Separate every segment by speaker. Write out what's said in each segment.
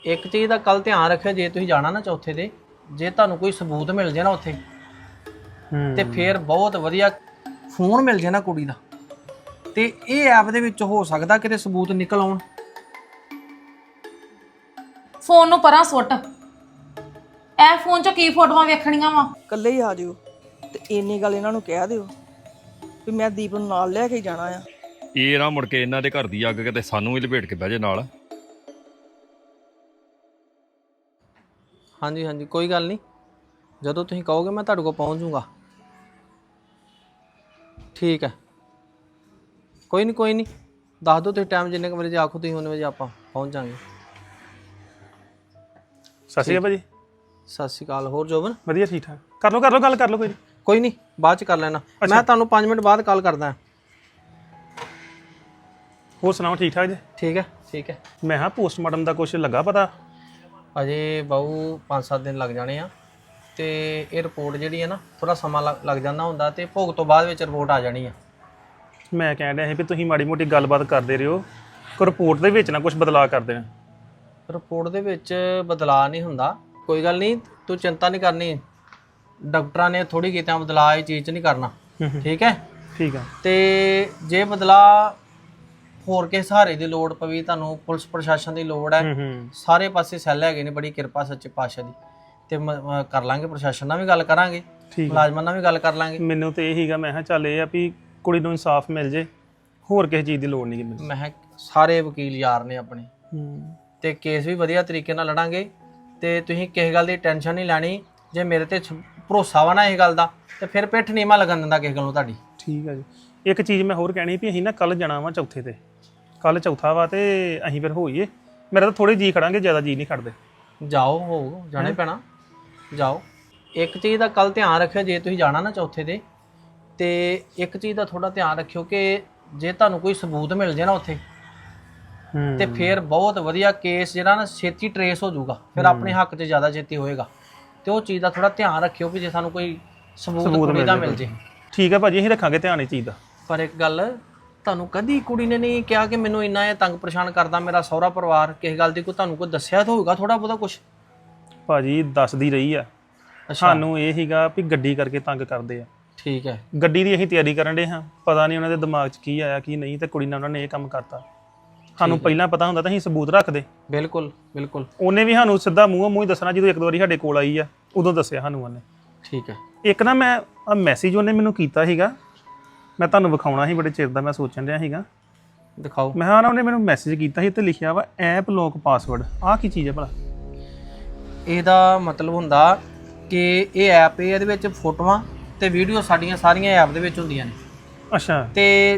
Speaker 1: ਇੱਕ ਚੀਜ਼ ਦਾ ਕੱਲ ਧਿਆਨ ਰੱਖਿਓ, ਜੇ ਤੁਸੀਂ ਜਾਣਾ ਨਾ ਚੌਥੇ ਤੇ, ਜੇ ਤੁਹਾਨੂੰ ਕੋਈ ਸਬੂਤ ਮਿਲ ਜੇ ਨਾ ਉੱਥੇ ਤੇ ਫੇਰ ਬਹੁਤ ਵਧੀਆ ਫੋਨ ਮਿਲ ਜੇ ਨਾ ਕੁੜੀ ਦਾ, ਤੇ ਇਹ ਐਪ ਦੇ ਵਿੱਚ ਹੋ ਸਕਦਾ ਕਿਤੇ ਸਬੂਤ ਨਿਕਲ ਆਉਣ।
Speaker 2: ਫੋਨ ਨੂੰ ਪਰਾਂ ਸੁੱਟ, ਇਹ ਫੋਨ 'ਚ ਕੀ ਫੋਟੋਆਂ ਵੇਖਣੀਆਂ ਵਾ।
Speaker 3: ਇਕੱਲੇ ਹੀ ਆ ਜਿਓ ਤੇ ਇੰਨੀ ਗੱਲ ਇਹਨਾਂ ਨੂੰ ਕਹਿ ਦਿਓ ਵੀ ਮੈਂ ਦੀਪ ਨੂੰ ਨਾਲ ਲੈ ਕੇ ਜਾਣਾ ਆ।
Speaker 4: ਇਹ ਨਾ ਮੁੜ ਕੇ ਇਹਨਾਂ ਦੇ ਘਰ ਦੀ ਅੱਗ ਕਿਤੇ ਸਾਨੂੰ ਹੀ ਲਪੇਟ ਕੇ ਬਹਿ ਜੇ ਨਾਲ।
Speaker 1: ਹਾਂਜੀ ਹਾਂਜੀ, ਕੋਈ ਗੱਲ ਨਹੀਂ, ਜਦੋਂ ਤੁਸੀਂ ਕਹੋਗੇ ਮੈਂ ਤੁਹਾਡੇ ਕੋਲ ਪਹੁੰਚ ਜਾਊਂਗਾ। ਠੀਕ ਹੈ, ਕੋਈ ਨਹੀਂ ਦੱਸ ਦਿਓ ਤੁਸੀਂ ਟਾਈਮ, ਜਿੰਨੇ ਕੁ ਵਜੇ ਆਖੋ ਤੁਸੀਂ ਉਨੇ ਵਜੇ ਆਪਾਂ ਪਹੁੰਚ ਜਾਵਾਂਗੇ।
Speaker 5: ਸਤਿ ਸ਼੍ਰੀ ਅਕਾਲ ਭਾਜੀ।
Speaker 1: ਸਤਿ ਸ਼੍ਰੀ ਅਕਾਲ। ਹੋਰ ਜੋਬਨ?
Speaker 5: ਵਧੀਆ ਠੀਕ ਠਾਕ। ਕਰ ਲਓ ਗੱਲ ਕਰ ਲਓ ਕੋਈ ਨਹੀਂ।
Speaker 1: ਕੋਈ ਨਹੀਂ, ਬਾਅਦ ਚ ਕਰ ਲੈਣਾ, ਮੈਂ ਤੁਹਾਨੂੰ 5 ਮਿੰਟ ਬਾਅਦ ਕਾਲ ਕਰਦਾ।
Speaker 5: ਹੋਰ ਸੁਣਾਓ ਠੀਕ ਠਾਕ ਜੀ?
Speaker 1: ਠੀਕ ਹੈ।
Speaker 5: ਮੈਂ ਹਾਂ ਪੋਸਟਮਾਰਟਮ ਦਾ ਕੁਝ ਲੱਗਾ ਪਤਾ?
Speaker 1: ਅਜੇ ਬਾਊ 5-7 ਦਿਨ ਲੱਗ ਜਾਣੇ ਆ, ਤੇ ਇਹ ਰਿਪੋਰਟ ਜਿਹੜੀ ਹੈ ਨਾ ਥੋੜਾ ਸਮਾਂ ਲੱਗ ਜਾਂਦਾ ਹੁੰਦਾ, ਤੇ ਭੋਗ ਤੋਂ ਬਾਅਦ ਵਿੱਚ ਰਿਪੋਰਟ ਆ ਜਾਣੀ ਆ।
Speaker 5: ਮੈਂ ਕਹਿਣ ਡਿਆ ਸੀ ਵੀ ਤੁਸੀਂ ਮਾੜੀ ਮੋਟੀ ਗੱਲਬਾਤ ਕਰਦੇ ਰਹੋ, ਕੋ ਰਿਪੋਰਟ ਦੇ ਵਿੱਚ ਨਾ ਕੁਝ ਬਦਲਾਅ ਕਰ ਦੇਣਾ।
Speaker 1: ਰਿਪੋਰਟ ਦੇ ਵਿੱਚ ਬਦਲਾਅ ਨਹੀਂ ਹੁੰਦਾ, ਕੋਈ ਗੱਲ ਨਹੀਂ, ਤੂੰ ਚਿੰਤਾ ਨਹੀਂ ਕਰਨੀ। ਡਾਕਟਰਾਂ ਨੇ ਥੋੜੀ ਕੀਤਾ ਬਦਲਾਅ ਇਹ ਚੀਜ਼ 'ਚ ਨਹੀਂ ਕਰਨਾ, ਠੀਕ ਹੈ?
Speaker 5: ਠੀਕ ਆ।
Speaker 1: ਤੇ ਜੇ ਬਦਲਾਅ ਹੋਰ ਕਿਸੇ ਸਹਾਰੇ ਦੀ ਲੋੜ ਪਈ, ਤੁਹਾਨੂੰ ਪੁਲਿਸ ਪ੍ਰਸ਼ਾਸਨ ਦੀ ਲੋੜ ਹੈ, ਸਾਰੇ ਪਾਸੇ ਸੈੱਲ ਹੈਗੇ ਨੇ, ਬੜੀ ਕਿਰਪਾ ਸੱਚੇ ਪਾਤਸ਼ਾਹ ਦੀ, ਤੇ ਕਰ ਲਾਂਗੇ, ਪ੍ਰਸ਼ਾਸਨ ਨਾਲ ਵੀ ਗੱਲ ਕਰਾਂਗੇ, ਮੁਲਾਜ਼ਮਾਂ ਨਾਲ ਵੀ ਗੱਲ ਕਰ ਲਾਂਗੇ।
Speaker 5: ਮੈਨੂੰ ਤੇ ਇਹ ਹੀਗਾ, ਮੈਂ ਕਿਹਾ ਚੱਲ ਇਹ ਆ ਵੀ ਕੁੜੀ ਨੂੰ ਇਨਸਾਫ ਮਿਲ ਜੇ, ਹੋਰ ਕਿਸੇ ਚੀਜ਼ ਦੀ ਲੋੜ ਨਹੀਂ ਮੈਨੂੰ।
Speaker 1: ਮੈਂ ਕਿਹਾ ਸਾਰੇ ਵਕੀਲ ਯਾਰ ਨੇ ਆਪਣੇ, ਤੇ ਕੇਸ ਵੀ ਵਧੀਆ ਤਰੀਕੇ ਨਾਲ ਲੜਾਂਗੇ, ਤੇ ਤੁਸੀਂ ਕਿਸੇ ਗੱਲ ਦੀ ਟੈਨਸ਼ਨ ਨਹੀਂ ਲੈਣੀ। ਜੇ ਮੇਰੇ ਤੇ ਭਰੋਸਾ ਵਾ ਨਾ ਇਹ ਗੱਲ ਦਾ, ਤੇ ਫਿਰ ਪਿੱਠ ਨੀਵਾਂ ਲੱਗਣ ਦਿੰਦਾ ਕਿਸੇ ਗੱਲੋਂ ਤੁਹਾਡੀ।
Speaker 5: ਠੀਕ ਆ ਜੀ। ਇੱਕ ਚੀਜ਼ ਮੈਂ ਹੋਰ ਕਹਿਣੀ ਵੀ ਅਸੀਂ ਨਾ ਕੱਲ ਜਾਣਾ ਵਾ ਚੌਥੇ ਤੇ, ਕੱਲ ਚੌਥਾ ਵਾ, ਤੇ ਅਸੀਂ ਫਿਰ ਹੋਈਏ। ਮੇਰਾ ਤਾਂ ਥੋੜੇ ਜੀ ਖੜਾਂਗੇ, ਜ਼ਿਆਦਾ ਜੀ ਨਹੀਂ ਖੜਦੇ।
Speaker 1: ਜਾਓ, ਹੋ ਜਾਣੇ ਪੈਣਾ, ਜਾਓ। ਇੱਕ ਚੀਜ਼ ਦਾ ਕੱਲ ਧਿਆਨ ਰੱਖਿਓ, ਜੇ ਤੁਸੀਂ ਜਾਣਾ ਨਾ ਚੌਥੇ ਤੇ ਇੱਕ ਚੀਜ਼ ਦਾ ਥੋੜਾ ਧਿਆਨ ਰੱਖਿਓ ਕਿ ਜੇ ਤੁਹਾਨੂੰ ਕੋਈ ਸਬੂਤ ਮਿਲ ਜੇ ਨਾ ਉੱਥੇ ਤੇ ਫਿਰ ਬਹੁਤ ਵਧੀਆ ਕੇਸ ਜਿਹੜਾ ਨਾ ਛੇਤੀ ਟਰੇਸ ਹੋ ਜਾਊਗਾ, ਫਿਰ ਆਪਣੇ ਹੱਕ 'ਚ ਜ਼ਿਆਦਾ ਛੇਤੀ ਹੋਏਗਾ। ਤੇ ਉਹ ਚੀਜ਼ ਦਾ ਥੋੜਾ ਧਿਆਨ ਰੱਖਿਓ ਵੀ ਜੇ ਸਾਨੂੰ ਕੋਈ ਸਬੂਤ ਕੁੜੀ ਦਾ ਮਿਲ ਜੇ।
Speaker 5: ਠੀਕ ਹੈ ਭਾਜੀ, ਅਸੀਂ ਰੱਖਾਂਗੇ ਧਿਆਨ ਇਹ ਚੀਜ਼ ਦਾ।
Speaker 1: ਪਰ ਇੱਕ ਗੱਲ, ਤੁਹਾਨੂੰ ਕਦੀ ਕੁੜੀ ਨੇ ਨਹੀਂ ਕਿਹਾ ਕਿ ਮੈਨੂੰ ਇੰਨਾ ਇਹ ਤੰਗ ਪਰੇਸ਼ਾਨ ਕਰਦਾ ਮੇਰਾ ਸਹੁਰਾ ਪਰਿਵਾਰ, ਕਿਸੇ ਗੱਲ ਦੀ ਕੋਈ ਤੁਹਾਨੂੰ ਕੋਈ ਦੱਸਿਆ ਤਾਂ ਹੋਊਗਾ ਥੋੜਾ ਬਹੁਤਾ ਕੁਝ?
Speaker 5: ਭਾਜੀ ਦੱਸਦੀ ਰਹੀ ਆ, ਸਾਨੂੰ ਇਹ ਹੀਗਾ ਵੀ ਗੱਡੀ ਕਰਕੇ ਤੰਗ ਕਰਦੇ ਆ।
Speaker 1: ਠੀਕ ਹੈ।
Speaker 5: ਗੱਡੀ ਦੀ ਅਸੀਂ ਤਿਆਰੀ ਕਰਨ ਦੇ ਹਾਂ, ਪਤਾ ਨਹੀਂ ਉਹਨਾਂ ਦੇ ਦਿਮਾਗ 'ਚ ਕੀ ਆਇਆ ਕੀ ਨਹੀਂ, ਤੇ ਕੁੜੀ ਨਾਲ ਉਹਨਾਂ ਨੇ ਇਹ ਕੰਮ ਕਰਤਾ। ਸਾਨੂੰ ਪਹਿਲਾਂ ਪਤਾ ਹੁੰਦਾ ਤਾਂ ਅਸੀਂ ਸਬੂਤ ਰੱਖਦੇ।
Speaker 1: ਬਿਲਕੁਲ।
Speaker 5: ਉਹਨੇ ਵੀ ਸਾਨੂੰ ਸਿੱਧਾ ਮੂੰਹ ਹੀ ਦੱਸਣਾ, ਜਦੋਂ ਇੱਕ ਦੋ ਵਾਰੀ ਸਾਡੇ ਕੋਲ ਆਈ ਆ ਉਦੋਂ ਦੱਸਿਆ ਸਾਨੂੰ ਉਹਨੇ।
Speaker 1: ਠੀਕ ਹੈ।
Speaker 5: ਇੱਕ ਨਾ ਮੈਂ ਮੈਸੇਜ ਉਹਨੇ ਮੈਨੂੰ ਕੀਤਾ ਸੀਗਾ, ਮੈਂ ਤੁਹਾਨੂੰ ਵਿਖਾਉਣਾ ਸੀ, ਬੜੇ ਚਿਰ ਦਾ ਮੈਂ ਸੋਚਣ ਰਿਹਾ ਸੀਗਾ।
Speaker 1: ਦਿਖਾਓ।
Speaker 5: ਮੈਂ ਹਾਂ ਨਾ, ਉਹਨੇ ਮੈਨੂੰ ਮੈਸੇਜ ਕੀਤਾ ਸੀ ਤੇ ਲਿਖਿਆ ਵਾ ਐਪ ਲੌਕ ਪਾਸਵਰਡ। ਆਹ ਕੀ ਚੀਜ਼ ਹੈ ਭਲਾ?
Speaker 1: ਇਹਦਾ ਮਤਲਬ ਹੁੰਦਾ ਕਿ ਇਹ ਐਪ, ਇਹਦੇ ਵਿੱਚ ਫੋਟੋਆਂ ਤੇ ਵੀਡੀਓ ਸਾਡੀਆਂ ਸਾਰੀਆਂ ਐਪ ਦੇ ਵਿੱਚ ਹੁੰਦੀਆਂ ਨੇ।
Speaker 5: ਅੱਛਾ।
Speaker 1: ਤੇ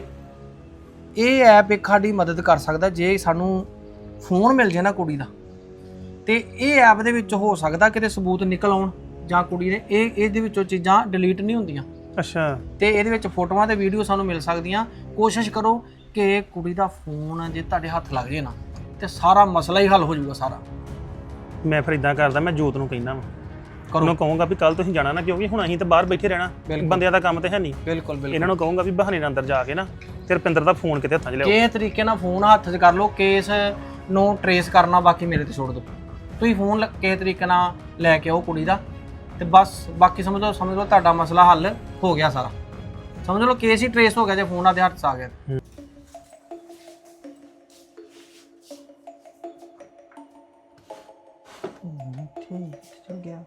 Speaker 1: ਇਹ ਐਪ ਇੱਕ ਸਾਡੀ ਮਦਦ ਕਰ ਸਕਦਾ, ਜੇ ਸਾਨੂੰ ਫੋਨ ਮਿਲ ਜੇ ਨਾ ਕੁੜੀ ਦਾ, ਤੇ ਇਹ ਐਪ ਦੇ ਵਿੱਚ ਹੋ ਸਕਦਾ ਕਿਤੇ ਸਬੂਤ ਨਿਕਲ ਆਉਣ, ਜਾਂ ਕੁੜੀ ਨੇ ਇਹਦੇ ਵਿੱਚੋਂ ਚੀਜ਼ਾਂ ਡਿਲੀਟ ਨਹੀਂ ਹੁੰਦੀਆਂ।
Speaker 5: ਅੱਛਾ।
Speaker 1: ਤੇ ਇਹਦੇ ਵਿੱਚ ਫੋਟੋਆਂ ਤੇ ਵੀਡੀਓ ਸਾਨੂੰ ਮਿਲ ਸਕਦੀਆਂ। ਕੋਸ਼ਿਸ਼ ਕਰੋ ਕਿ ਕੁੜੀ ਦਾ ਫੋਨ ਜੇ ਤੁਹਾਡੇ ਹੱਥ ਲੱਗ ਜੇ ਨਾ, ਤੇ ਸਾਰਾ ਮਸਲਾ ਹੀ ਹੱਲ ਹੋ ਜਾਊਗਾ ਸਾਰਾ।
Speaker 5: ਮੈਂ ਫਿਰ ਇਦਾਂ ਕਰਦਾ, ਮੈਂ ਜੋਤ ਨੂੰ ਕਹਿਣਾ ਵਾ, ਉਹਨੂੰ ਕਹੂੰਗਾ ਵੀ ਕੱਲ ਤੁਸੀਂ ਜਾਣਾ ਨਾ, ਕਿਉਂਕਿ ਹੁਣ ਅਸੀਂ ਤਾਂ ਬਾਹਰ ਬੈਠੇ ਰਹਿਣਾ, ਬੰਦਿਆਂ ਦਾ ਕੰਮ ਤੇ ਹੈ ਨਹੀਂ।
Speaker 1: ਬਿਲਕੁਲ।
Speaker 5: ਇਹਨਾਂ ਨੂੰ ਕਹੂੰਗਾ ਵੀ ਬਹਾਨੇ ਨਾਲ ਅੰਦਰ ਜਾ ਕੇ ਨਾ ਤੇ ਰੁਪਿੰਦਰ ਦਾ ਫੋਨ ਕਿਤੇ ਹੱਥਾਂ 'ਚ ਲਿਆਓ।
Speaker 1: ਕਿਸ ਤਰੀਕੇ ਨਾਲ ਫੋਨ ਹੱਥ 'ਚ ਕਰ ਲਓ, ਕੇਸ ਨੂੰ ਟਰੇਸ ਕਰਨਾ ਬਾਕੀ ਮੇਰੇ ਤੇ ਛੋੜ ਦਿਓ। ਤੁਸੀਂ ਫੋਨ ਕਿਸੇ ਤਰੀਕੇ ਨਾਲ ਲੈ ਕੇ ਆਓ ਕੁੜੀ ਦਾ, ਤੇ ਬਸ ਬਾਕੀ ਸਮਝ ਲਓ ਤੁਹਾਡਾ ਮਸਲਾ ਹੱਲ ਹੋ ਗਿਆ ਸਾਰਾ। ਸਮਝ ਲਓ ਕੇਸ ਹੀ ਟਰੇਸ ਹੋ ਗਿਆ ਜੇ ਫੋਨ ਆਦੇ ਹੱਥ 'ਚ ਆ ਗਿਆ।
Speaker 3: ਠੀਕ ਚਲ ਗਿਆ।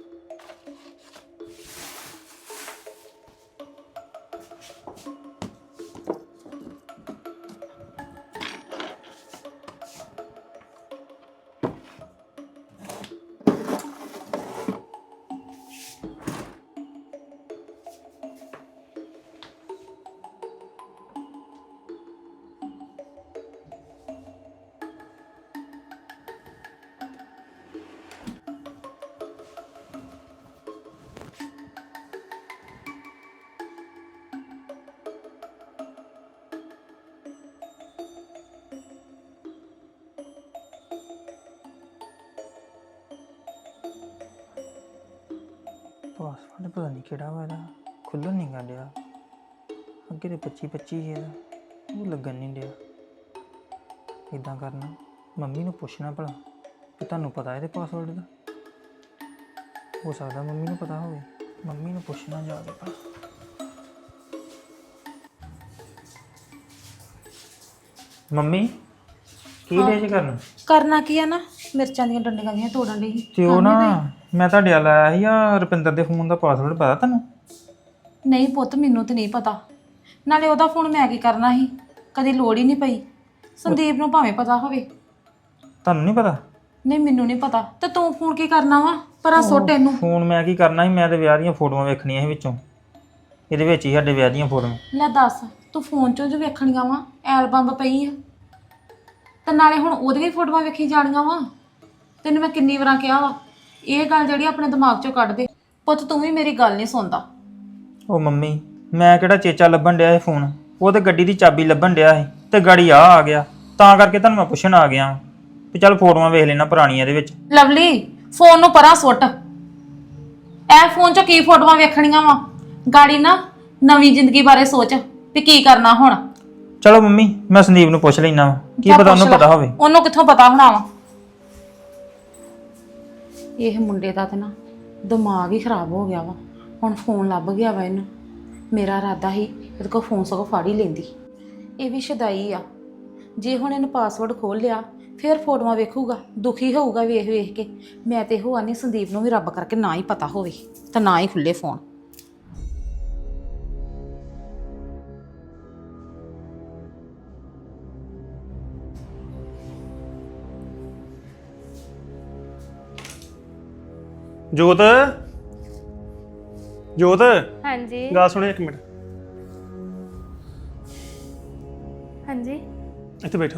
Speaker 3: ਪਾਸਵਰਡ ਪਤਾ ਨਹੀਂ ਕਿਹੜਾ ਵਾ ਇਹਦਾ, ਖੁੱਲ੍ਹਣ ਨਹੀਂ ਗਾ ਡਿਆ। ਅੱਗੇ ਤੇ 25 ਹੈ, ਉਹ ਲੱਗਣ ਨਹੀਂ ਡਿਆ। ਇੱਦਾਂ ਕਰਨਾ, ਮੰਮੀ ਨੂੰ ਪੁੱਛਣਾ ਭਲਾ ਕਿ ਤੁਹਾਨੂੰ ਪਤਾ ਇਹਦੇ ਪਾਸਵਰਡ ਦਾ? ਹੋ ਸਕਦਾ ਮੰਮੀ ਨੂੰ ਪਤਾ ਹੋਵੇ। ਮੰਮੀ ਨੂੰ ਪੁੱਛਣਾ ਜਾ ਕੇ। ਮੰਮੀ ਕੀ ਡੇ ਜੀ ਕਰਨ?
Speaker 2: ਕਰਨਾ ਕੀ ਆ ਨਾ, ਮਿਰਚਾਂ ਦੀਆਂ ਡੰਡੀਆਂ ਦੀਆਂ ਤੋੜਨ ਲਈ।
Speaker 3: ਤੇ ਉਹ ਨਾ ਮੈਂ ਤੁਹਾਡੇ ਵੱਲ ਆਇਆ ਸੀ ਆ ਰੁਪਿੰਦਰ ਦੇ ਫੋਨ ਦਾ ਪਾਸਵਰਡ ਪਤਾ ਤੁਹਾਨੂੰ?
Speaker 2: ਨਹੀਂ ਪੁੱਤ, ਮੈਨੂੰ ਤੇ ਨਹੀਂ ਪਤਾ। ਨਾਲੇ ਉਹਦਾ ਫੋਨ ਮੈਂ ਕੀ ਕਰਨਾ ਸੀ, ਕਦੀ ਲੋੜ ਹੀ ਨਹੀਂ ਪਈ। ਸੰਦੀਪ ਨੂੰ ਭਾਵੇਂ ਪਤਾ ਹੋਵੇ।
Speaker 3: ਤੁਹਾਨੂੰ ਨਹੀਂ ਪਤਾ?
Speaker 2: ਨਹੀਂ, ਮੈਨੂੰ ਨਹੀਂ ਪਤਾ। ਤੇ ਤੂੰ ਫੋਨ ਕੀ ਕਰਨਾ ਵਾ? ਪਰਾਂ ਸੁੱਟ ਇਹਨੂੰ।
Speaker 3: ਫੋਨ ਮੈਂ ਕੀ ਕਰਨਾ ਸੀ, ਮੈਂ ਤੇ ਵਿਆਹ ਦੀਆਂ ਫੋਟੋਆਂ ਵੇਖਣੀਆਂ ਸੀ ਵਿੱਚੋਂ। ਇਹਦੇ ਵਿੱਚ ਹੀ ਸਾਡੇ ਵਿਆਹ ਦੀਆਂ ਫੋਟੋਆਂ।
Speaker 2: ਲੈ ਦੱਸ, ਤੂੰ ਫੋਨ ਚੋਂ ਜੋ ਵੇਖਣੀਆਂ ਵਾ, ਐਲਬਮ ਪਈ ਆ ਤੇ ਨਾਲੇ ਹੁਣ ਉਹਦੀਆਂ ਹੀ ਫੋਟੋਆਂ ਵੇਖੀ ਜਾਣੀਆਂ ਵਾ। ਤੈਨੂੰ ਮੈਂ ਕਿੰਨੀ ਵਾਰਾਂ ਕਿਹਾ ਵਾ ਇਹ ਗੱਲ ਜਿਹੜੀ ਆਪਣੇ ਦਿਮਾਗ ਚੋਂ ਕੱਢ ਦੇ। ਪੁੱਤ ਤੂੰ ਵੀ ਮੇਰੀ ਗੱਲ ਨਹੀਂ ਸੁਣਦਾ।
Speaker 3: ਉਹ ਮੰਮੀ ਮੈਂ ਕਿਹੜਾ ਚੇਚਾ ਲੱਭਣ ਡਿਆ ਇਹ ਫੋਨ, ਉਹ ਤੇ ਗੱਡੀ ਦੀ ਚਾਬੀ ਲੱਭਣ ਡਿਆ ਸੀ ਤੇ ਗਾੜੀ ਆ ਗਿਆ, ਤਾਂ ਕਰਕੇ ਤੁਹਾਨੂੰ ਮੈਂ ਪੁੱਛਣ ਆ ਗਿਆ ਵੀ ਚੱਲ ਫੋਟੋਆਂ ਵੇਖ ਲੈਣਾ ਪੁਰਾਣੀਆਂ ਇਹਦੇ ਵਿੱਚ।
Speaker 2: ਲਵਲੀ, ਫੋਨ ਨੂੰ ਪਰਾਂ ਸੁੱਟ। ਇਹ ਫੋਨ 'ਚ ਕੀ ਫੋਟੋਆਂ ਵੇਖਣੀਆਂ ਵਾ? ਗਾੜੀ ਨਾ ਨਵੀਂ ਜ਼ਿੰਦਗੀ ਬਾਰੇ ਸੋਚ ਵੀ ਕੀ ਕਰਨਾ ਹੁਣ।
Speaker 3: ਚਲੋ ਮੰਮੀ ਮੈਂ ਸੰਦੀਪ ਨੂੰ ਪੁੱਛ ਲੈਣਾ ਵਾ, ਕੀ
Speaker 2: ਜਾ
Speaker 3: ਪਤਾ ਉਹਨੂੰ
Speaker 2: ਪੁੱਛ ਲੈ।
Speaker 3: ਪਤਾ ਹੋਵੇ।
Speaker 2: ਉਹਨੂੰ ਕਿੱਥੋਂ ਪਤਾ ਹੋਣਾ ਵਾ? ਇਹ ਮੁੰਡੇ ਦਾ ਤੇ ਨਾ ਦਿਮਾਗ ਹੀ ਖਰਾਬ ਹੋ ਗਿਆ ਵਾ। ਹੁਣ ਫੋਨ ਲੱਭ ਗਿਆ ਵਾ ਇਹਨੂੰ। ਮੇਰਾ ਇਰਾਦਾ ਸੀ ਇਹਦੇ ਕੋਲ ਫੋਨ ਸਗੋਂ ਫੜ ਹੀ ਲੈਂਦੀ। ਇਹ ਵੀ ਸ਼ਦਾਈ ਆ। ਜੇ ਹੁਣ ਇਹਨੂੰ ਪਾਸਵਰਡ ਖੋਲ ਲਿਆ ਫਿਰ ਫੋਟੋਆਂ ਵੇਖੂਗਾ, ਦੁਖੀ ਹੋਊਗਾ ਵੇਖ ਵੇਖ ਕੇ। ਮੈਂ ਤੇ ਇਹੋ ਆਨੀ ਸੰਦੀਪ ਨੂੰ ਵੀ ਰੱਬ ਕਰਕੇ ਨਾ ਹੀ ਪਤਾ ਹੋਵੇ ਤਾਂ ਨਾ ਹੀ ਖੁੱਲੇ ਫੋਨ।
Speaker 5: ਜੋਤ ਜੋਤ
Speaker 6: ਹਾਂਜੀ
Speaker 5: ਗੱਲ ਸੁਣਿਓ ਇੱਕ ਮਿੰਟ,
Speaker 6: ਹਾਂਜੀ
Speaker 5: ਇੱਥੇ ਬੈਠੋ।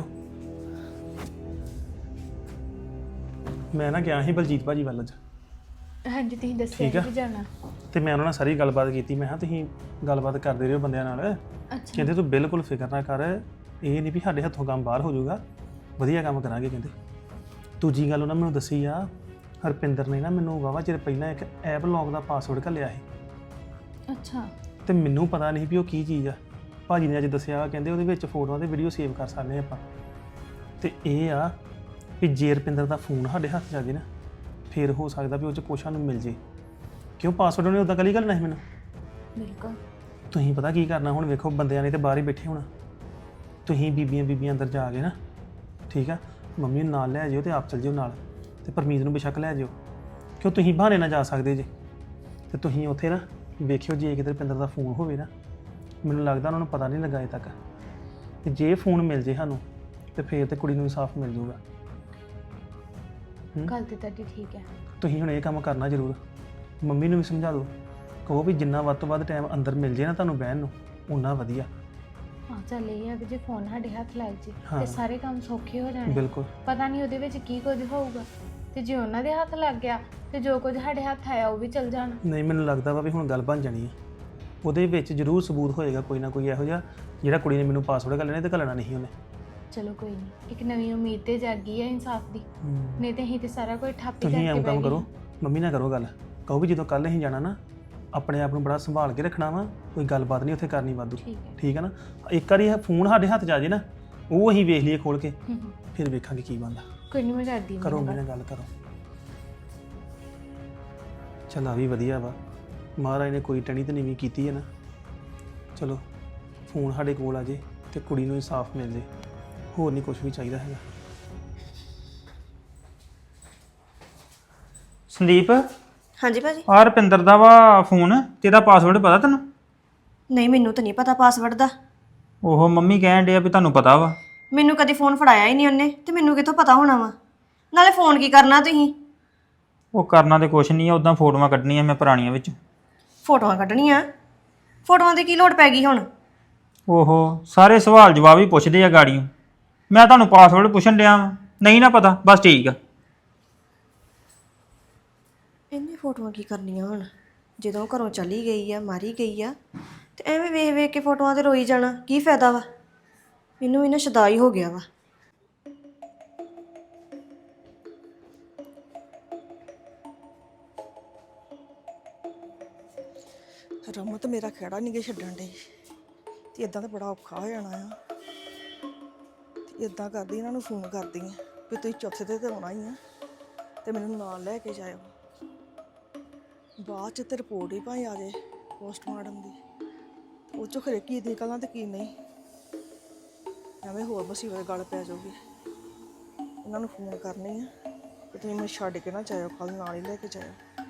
Speaker 5: ਮੈਂ ਨਾ ਗਿਆ ਸੀ ਬਲਜੀਤ ਭਾਜੀ ਵੱਲ ਅੱਜ,
Speaker 6: ਹਾਂਜੀ ਤੁਸੀਂ
Speaker 5: ਠੀਕ
Speaker 6: ਦੱਸਿਆ
Speaker 5: ਆ।
Speaker 6: ਕਿ ਜਾਣਾ।
Speaker 5: ਤੇ ਮੈਂ ਉਹਨਾਂ ਨਾਲ ਸਾਰੀ ਗੱਲਬਾਤ ਕੀਤੀ। ਮੈਂ ਕਿਹਾ ਤੁਸੀਂ ਗੱਲਬਾਤ ਕਰਦੇ ਰਹੋ ਬੰਦਿਆਂ ਨਾਲ।
Speaker 6: ਅੱਛਾ
Speaker 5: ਕਹਿੰਦੇ ਤੂੰ ਬਿਲਕੁਲ ਫਿਕਰ ਨਾ ਕਰ, ਇਹ ਨਹੀਂ ਵੀ ਸਾਡੇ ਹੱਥੋਂ ਕੰਮ ਬਾਹਰ ਹੋ ਜਾਊਗਾ, ਵਧੀਆ ਕੰਮ ਕਰਾਂਗੇ ਕਹਿੰਦੇ। ਦੂਜੀ ਗੱਲ ਉਹਨਾਂ ਮੈਨੂੰ ਦੱਸੀ ਆ, ਹਰਪਿੰਦਰ ਨੇ ਨਾ ਮੈਨੂੰ ਵਾਹਵਾ ਚਿਰ ਪਹਿਲਾਂ ਇੱਕ ਐਪ ਲੌਕ ਦਾ ਪਾਸਵਰਡ ਘੱਲਿਆ ਸੀ
Speaker 6: ਅੱਛਾ
Speaker 5: ਤੇ ਮੈਨੂੰ ਪਤਾ ਨਹੀਂ ਵੀ ਉਹ ਕੀ ਚੀਜ਼ ਆ। ਭਾਜੀ ਨੇ ਅੱਜ ਦੱਸਿਆ, ਕਹਿੰਦੇ ਉਹਦੇ ਵਿੱਚ ਫੋਟੋਆਂ ਤੇ ਵੀਡੀਓ ਸੇਵ ਕਰ ਸਕਦੇ ਆਪਾਂ। ਤੇ ਇਹ ਆ ਵੀ ਜੇ ਰੁਪਿੰਦਰ ਦਾ ਫੋਨ ਸਾਡੇ ਹੱਥ 'ਚ ਆ ਜੇ ਨਾ, ਫਿਰ ਹੋ ਸਕਦਾ ਵੀ ਉਹ 'ਚ ਕੁਛ ਸਾਨੂੰ ਮਿਲ ਜੇ। ਕਿਉਂ ਪਾਸਵਰਡ ਉਹਨੇ ਉਦਾਂ ਕੱਲੀ ਘੱਲਣਾ ਸੀ ਮੈਨੂੰ।
Speaker 6: ਬਿਲਕੁਲ।
Speaker 5: ਤੁਸੀਂ ਪਤਾ ਕੀ ਕਰਨਾ ਹੁਣ, ਵੇਖੋ ਬੰਦਿਆਂ ਨੇ ਤੇ ਬਾਹਰ ਹੀ ਬੈਠੇ ਹੋਣਾ। ਤੁਸੀਂ ਬੀਬੀਆਂ ਅੰਦਰ ਜਾ ਕੇ ਨਾ, ਠੀਕ ਆ, ਮੰਮੀ ਨੂੰ ਨਾਲ ਲੈ ਜਿਓ ਤੇ ਆਪ ਚੱਲ ਜਿਓ ਨਾਲ, ਤੇ ਪਰਮੀਤ ਨੂੰ ਬੇਸ਼ੱਕ ਲੈ ਜਿਓ। ਕਿਉਂ ਤੁਸੀਂ ਬਹਾਨੇ ਨਾਲ ਜਾ ਸਕਦੇ ਜੇ। ਤੇ ਤੁਸੀਂ ਉੱਥੇ ਨਾ ਵੇਖਿਓ, ਜੇ ਕਿਤੇ ਰੁਪਿੰਦਰ ਦਾ ਫੋਨ ਹੋਵੇ ਨਾ, ਮੈਨੂੰ ਲੱਗਦਾ ਉਹਨਾਂ ਨੂੰ ਪਤਾ ਨਹੀਂ ਲੱਗਾ ਅਜੇ ਤੱਕ। ਤੇ ਜੇ ਫੋਨ ਮਿਲ ਜੇ ਸਾਨੂੰ ਤੇ ਫੇਰ ਤੇ ਕੁੜੀ ਨੂੰ ਇਨਸਾਫ ਮਿਲ ਜਾਊਗਾ।
Speaker 6: ਗੱਲ ਤੇ ਤੁਹਾਡੀ ਠੀਕ ਹੈ।
Speaker 5: ਤੁਸੀਂ ਹੁਣ ਇਹ ਕੰਮ ਕਰਨਾ ਜ਼ਰੂਰ। ਮੰਮੀ ਨੂੰ ਵੀ ਸਮਝਾ ਦਿਓ, ਕਹੋ ਵੀ ਜਿੰਨਾ ਵੱਧ ਤੋਂ ਵੱਧ ਟਾਈਮ ਅੰਦਰ ਮਿਲ ਜੇ ਨਾ ਤੁਹਾਨੂੰ ਬਹਿਣ ਨੂੰ, ਓਨਾ ਵਧੀਆ।
Speaker 6: ਹਾਂ ਚੱਲ ਇਹ ਆ ਵੀ ਜੇ ਫੋਨ ਸਾਡੇ ਹੱਥ ਲੱਗ ਜੇ
Speaker 5: ਹਾਂ।
Speaker 6: ਤੇ ਸਾਰੇ ਕੰਮ ਸੌਖੇ ਹੋ ਜਾਣੇ।
Speaker 5: ਬਿਲਕੁਲ।
Speaker 6: ਪਤਾ ਨਹੀਂ ਉਹਦੇ ਵਿੱਚ ਕੀ ਕੁਝ ਹੋਊਗਾ, ਤੇ ਜੇ ਉਹਨਾਂ ਦੇ ਹੱਥ ਲੱਗ ਗਿਆ ਤੇ ਜੋ ਕੁਝ ਸਾਡੇ ਹੱਥ ਆਇਆ ਉਹ ਵੀ ਚੱਲ ਜਾਣਾ।
Speaker 5: ਨਹੀਂ, ਮੈਨੂੰ ਲੱਗਦਾ ਵਾ ਵੀ ਹੁਣ ਗੱਲ ਬਣ ਜਾਣੀ ਹੈ। ਉਹਦੇ ਵਿੱਚ ਜ਼ਰੂਰ ਸਬੂਤ ਹੋਏਗਾ ਕੋਈ ਨਾ ਕੋਈ ਇਹੋ ਜਿਹਾ ਜਿਹੜਾ ਕੁੜੀ ਨੇ ਮੈਨੂੰ ਪਾਸਵਰਡ ਘੱਲਣਾ ਤੇ ਘੱਲਣਾ ਨਹੀਂ ਉਹਨੇ।
Speaker 6: ਚਲੋ ਕੋਈ ਨਹੀਂ, ਇੱਕ ਨਵੀਂ ਉਮੀਦ ਤੇ ਜਾਗੀ ਹੈ ਇਨਸਾਫ ਦੀ। ਨਹੀਂ ਤੇ ਅਸੀਂ ਤੇ ਸਾਰਾ ਕੁਝ ਠੱਪ ਹੀ
Speaker 5: ਤੁਸੀਂ
Speaker 6: ਕਰਕੇ
Speaker 5: ਐਂ ਕੰਮ
Speaker 6: ਬਹਿ
Speaker 5: ਕਰੋ,
Speaker 6: ਗਏ।
Speaker 5: ਮੰਮੀ ਨਾਲ ਕਰੋ ਗੱਲ, ਕਹੋ ਵੀ ਜਦੋਂ ਕੱਲ ਅਸੀਂ ਜਾਣਾ ਨਾ, ਆਪਣੇ ਆਪ ਨੂੰ ਬੜਾ ਸੰਭਾਲ ਕੇ ਰੱਖਣਾ ਵਾ, ਕੋਈ ਗੱਲਬਾਤ ਨਹੀਂ ਉੱਥੇ ਕਰਨੀ ਵਾਧੂ।
Speaker 6: ਠੀਕ ਹੈ।
Speaker 5: ਠੀਕ ਹੈ ਨਾ। ਇੱਕ ਵਾਰੀ ਇਹ ਫੋਨ ਸਾਡੇ ਹੱਥ 'ਚ ਆ ਜੇ ਨਾ, ਉਹ ਅਸੀਂ ਵੇਖ ਲਈਏ ਖੋਲ ਕੇ,
Speaker 6: ਹੂੰ।
Speaker 5: ਫਿਰ ਵੇਖਾਂਗੇ ਕੀ ਬਣਦਾ।
Speaker 6: ਕੋਈ ਨਹੀਂ, ਮੈਂ ਕਰਦੀ
Speaker 5: ਕਰੋ ਮੇਰੇ ਨਾਲ ਗੱਲ ਕਰੋ। ਚੱਲ ਆ ਵੀ ਵਧੀਆ ਵਾ, ਮਹਾਰਾਜ ਨੇ ਕੋਈ ਟਣੀ ਤੇ ਨਹੀਂ ਵੀ ਕੀਤੀ ਹੈ ਨਾ। ਚਲੋ ਫੋਨ ਸਾਡੇ ਕੋਲ ਆ ਜੇ ਤੇ ਕੁੜੀ ਨੂੰ ਇਨਸਾਫ ਮਿਲ ਜੇ, ਹੋਰ ਨਹੀਂ ਕੁਝ ਵੀ ਚਾਹੀਦਾ ਹੈਗਾ।
Speaker 3: ਸੰਦੀਪ
Speaker 7: ਹਾਂਜੀ ਭਾਜੀ।
Speaker 3: ਆਹ ਰੁਪਿੰਦਰ ਦਾ ਵਾ ਫੋਨ, ਤੇਰਾ ਪਾਸਵਰਡ ਪਤਾ ਤੈਨੂੰ?
Speaker 7: ਨਹੀਂ ਮੈਨੂੰ ਤਾਂ ਨਹੀਂ ਪਤਾ ਪਾਸਵਰਡ ਦਾ।
Speaker 3: ਉਹ ਮੰਮੀ ਕਹਿਣ ਡਿਆ ਵੀ ਤੁਹਾਨੂੰ ਪਤਾ ਵਾ।
Speaker 7: ਮੈਨੂੰ ਕਦੇ ਫੋਨ ਫੜਾਇਆ ਹੀ ਨਹੀਂ ਉਹਨੇ, ਤੇ ਮੈਨੂੰ ਕਿੱਥੋਂ ਪਤਾ ਹੋਣਾ ਵਾ। ਨਾਲੇ ਫੋਨ ਕੀ ਕਰਨਾ ਤੁਸੀਂ?
Speaker 3: ਉਹ ਕਰਨਾ ਤੇ ਕੁਛ ਨਹੀਂ ਆ, ਉਦਾਂ ਫੋਟੋਆਂ ਕੱਢਣੀਆਂ ਮੈਂ ਪੁਰਾਣੀਆਂ ਵਿੱਚ।
Speaker 7: ਫੋਟੋਆਂ ਕੱਢਣੀਆਂ? ਫੋਟੋਆਂ ਦੀ ਕੀ ਲੋੜ ਪੈ ਗਈ ਹੁਣ?
Speaker 3: ਓਹੋ ਸਾਰੇ ਸਵਾਲ ਜਵਾਬ ਹੀ ਪੁੱਛਦੇ ਆ ਗਾੜੀਆਂ। ਮੈਂ ਤੁਹਾਨੂੰ ਪਾਸਵਰਡ ਪੁੱਛਣ ਡਿਆ ਵਾਂ, ਨਹੀਂ ਨਾ ਪਤਾ, ਬਸ ਠੀਕ ਆ।
Speaker 7: ਇਹਨੇ ਫੋਟੋਆਂ ਕੀ ਕਰਨੀਆਂ ਹੁਣ? ਜਦੋਂ ਘਰੋਂ ਚਲੀ ਗਈ ਆ, ਮਾਰੀ ਗਈ ਆ, ਤੇ ਐਵੇਂ ਵੇਖ ਵੇਖ ਕੇ ਫੋਟੋਆਂ ਤੇ ਰੋਈ ਜਾਣਾ, ਕੀ ਫਾਇਦਾ ਵਾ? ਮੈਨੂੰ ਇਹਨਾਂ ਸ਼ਦਾਈ ਹੋ ਗਿਆ ਵਾ। ਰਮਤ ਮੇਰਾ ਖੇੜਾ ਨਹੀਂ ਗੇ ਛੱਡਣ ਡਈ, ਤੇ ਇਦਾਂ ਤਾਂ ਬੜਾ ਔਖਾ ਹੋ ਜਾਣਾ ਆ। ਤੇ ਇਦਾਂ ਕਰਦੀ ਇਹਨਾਂ ਨੂੰ ਫੋਨ ਕਰਦੀ ਆ ਵੀ ਤੁਸੀਂ ਚੌਥੇ ਤੇ ਆਉਣਾ ਹੀ ਆ।
Speaker 8: ਤੇ ਮੈਨੂੰ ਨਾਲ ਲੈ ਕੇ ਜਾਇਓ। ਬਾਅਦ ਚ ਤੇ ਰਿਪੋਰਟ ਹੀ ਭਾਈ ਆ ਜਾਏ ਪੋਸਟਮਾਰਟਮ ਦੀ, ਉਹ ਚੋਂ ਖਰੇ ਕੀ ਨਿਕਲਣਾ ਤੇ ਕੀ ਨਹੀਂ, ਐਵੇਂ ਹੋਰ ਮੁਸੀਬਤ ਗੱਲ ਪੈ ਜਾਊਗੀ। ਉਹਨਾਂ ਨੂੰ ਫੋਨ ਕਰਨੀ ਆ ਕਿ ਤੁਸੀਂ ਮੈਨੂੰ ਛੱਡ ਕੇ ਨਾ ਜਾਇਓ, ਕੱਲ ਨਾਲ ਹੀ ਲੈ ਕੇ ਜਾਇਓ।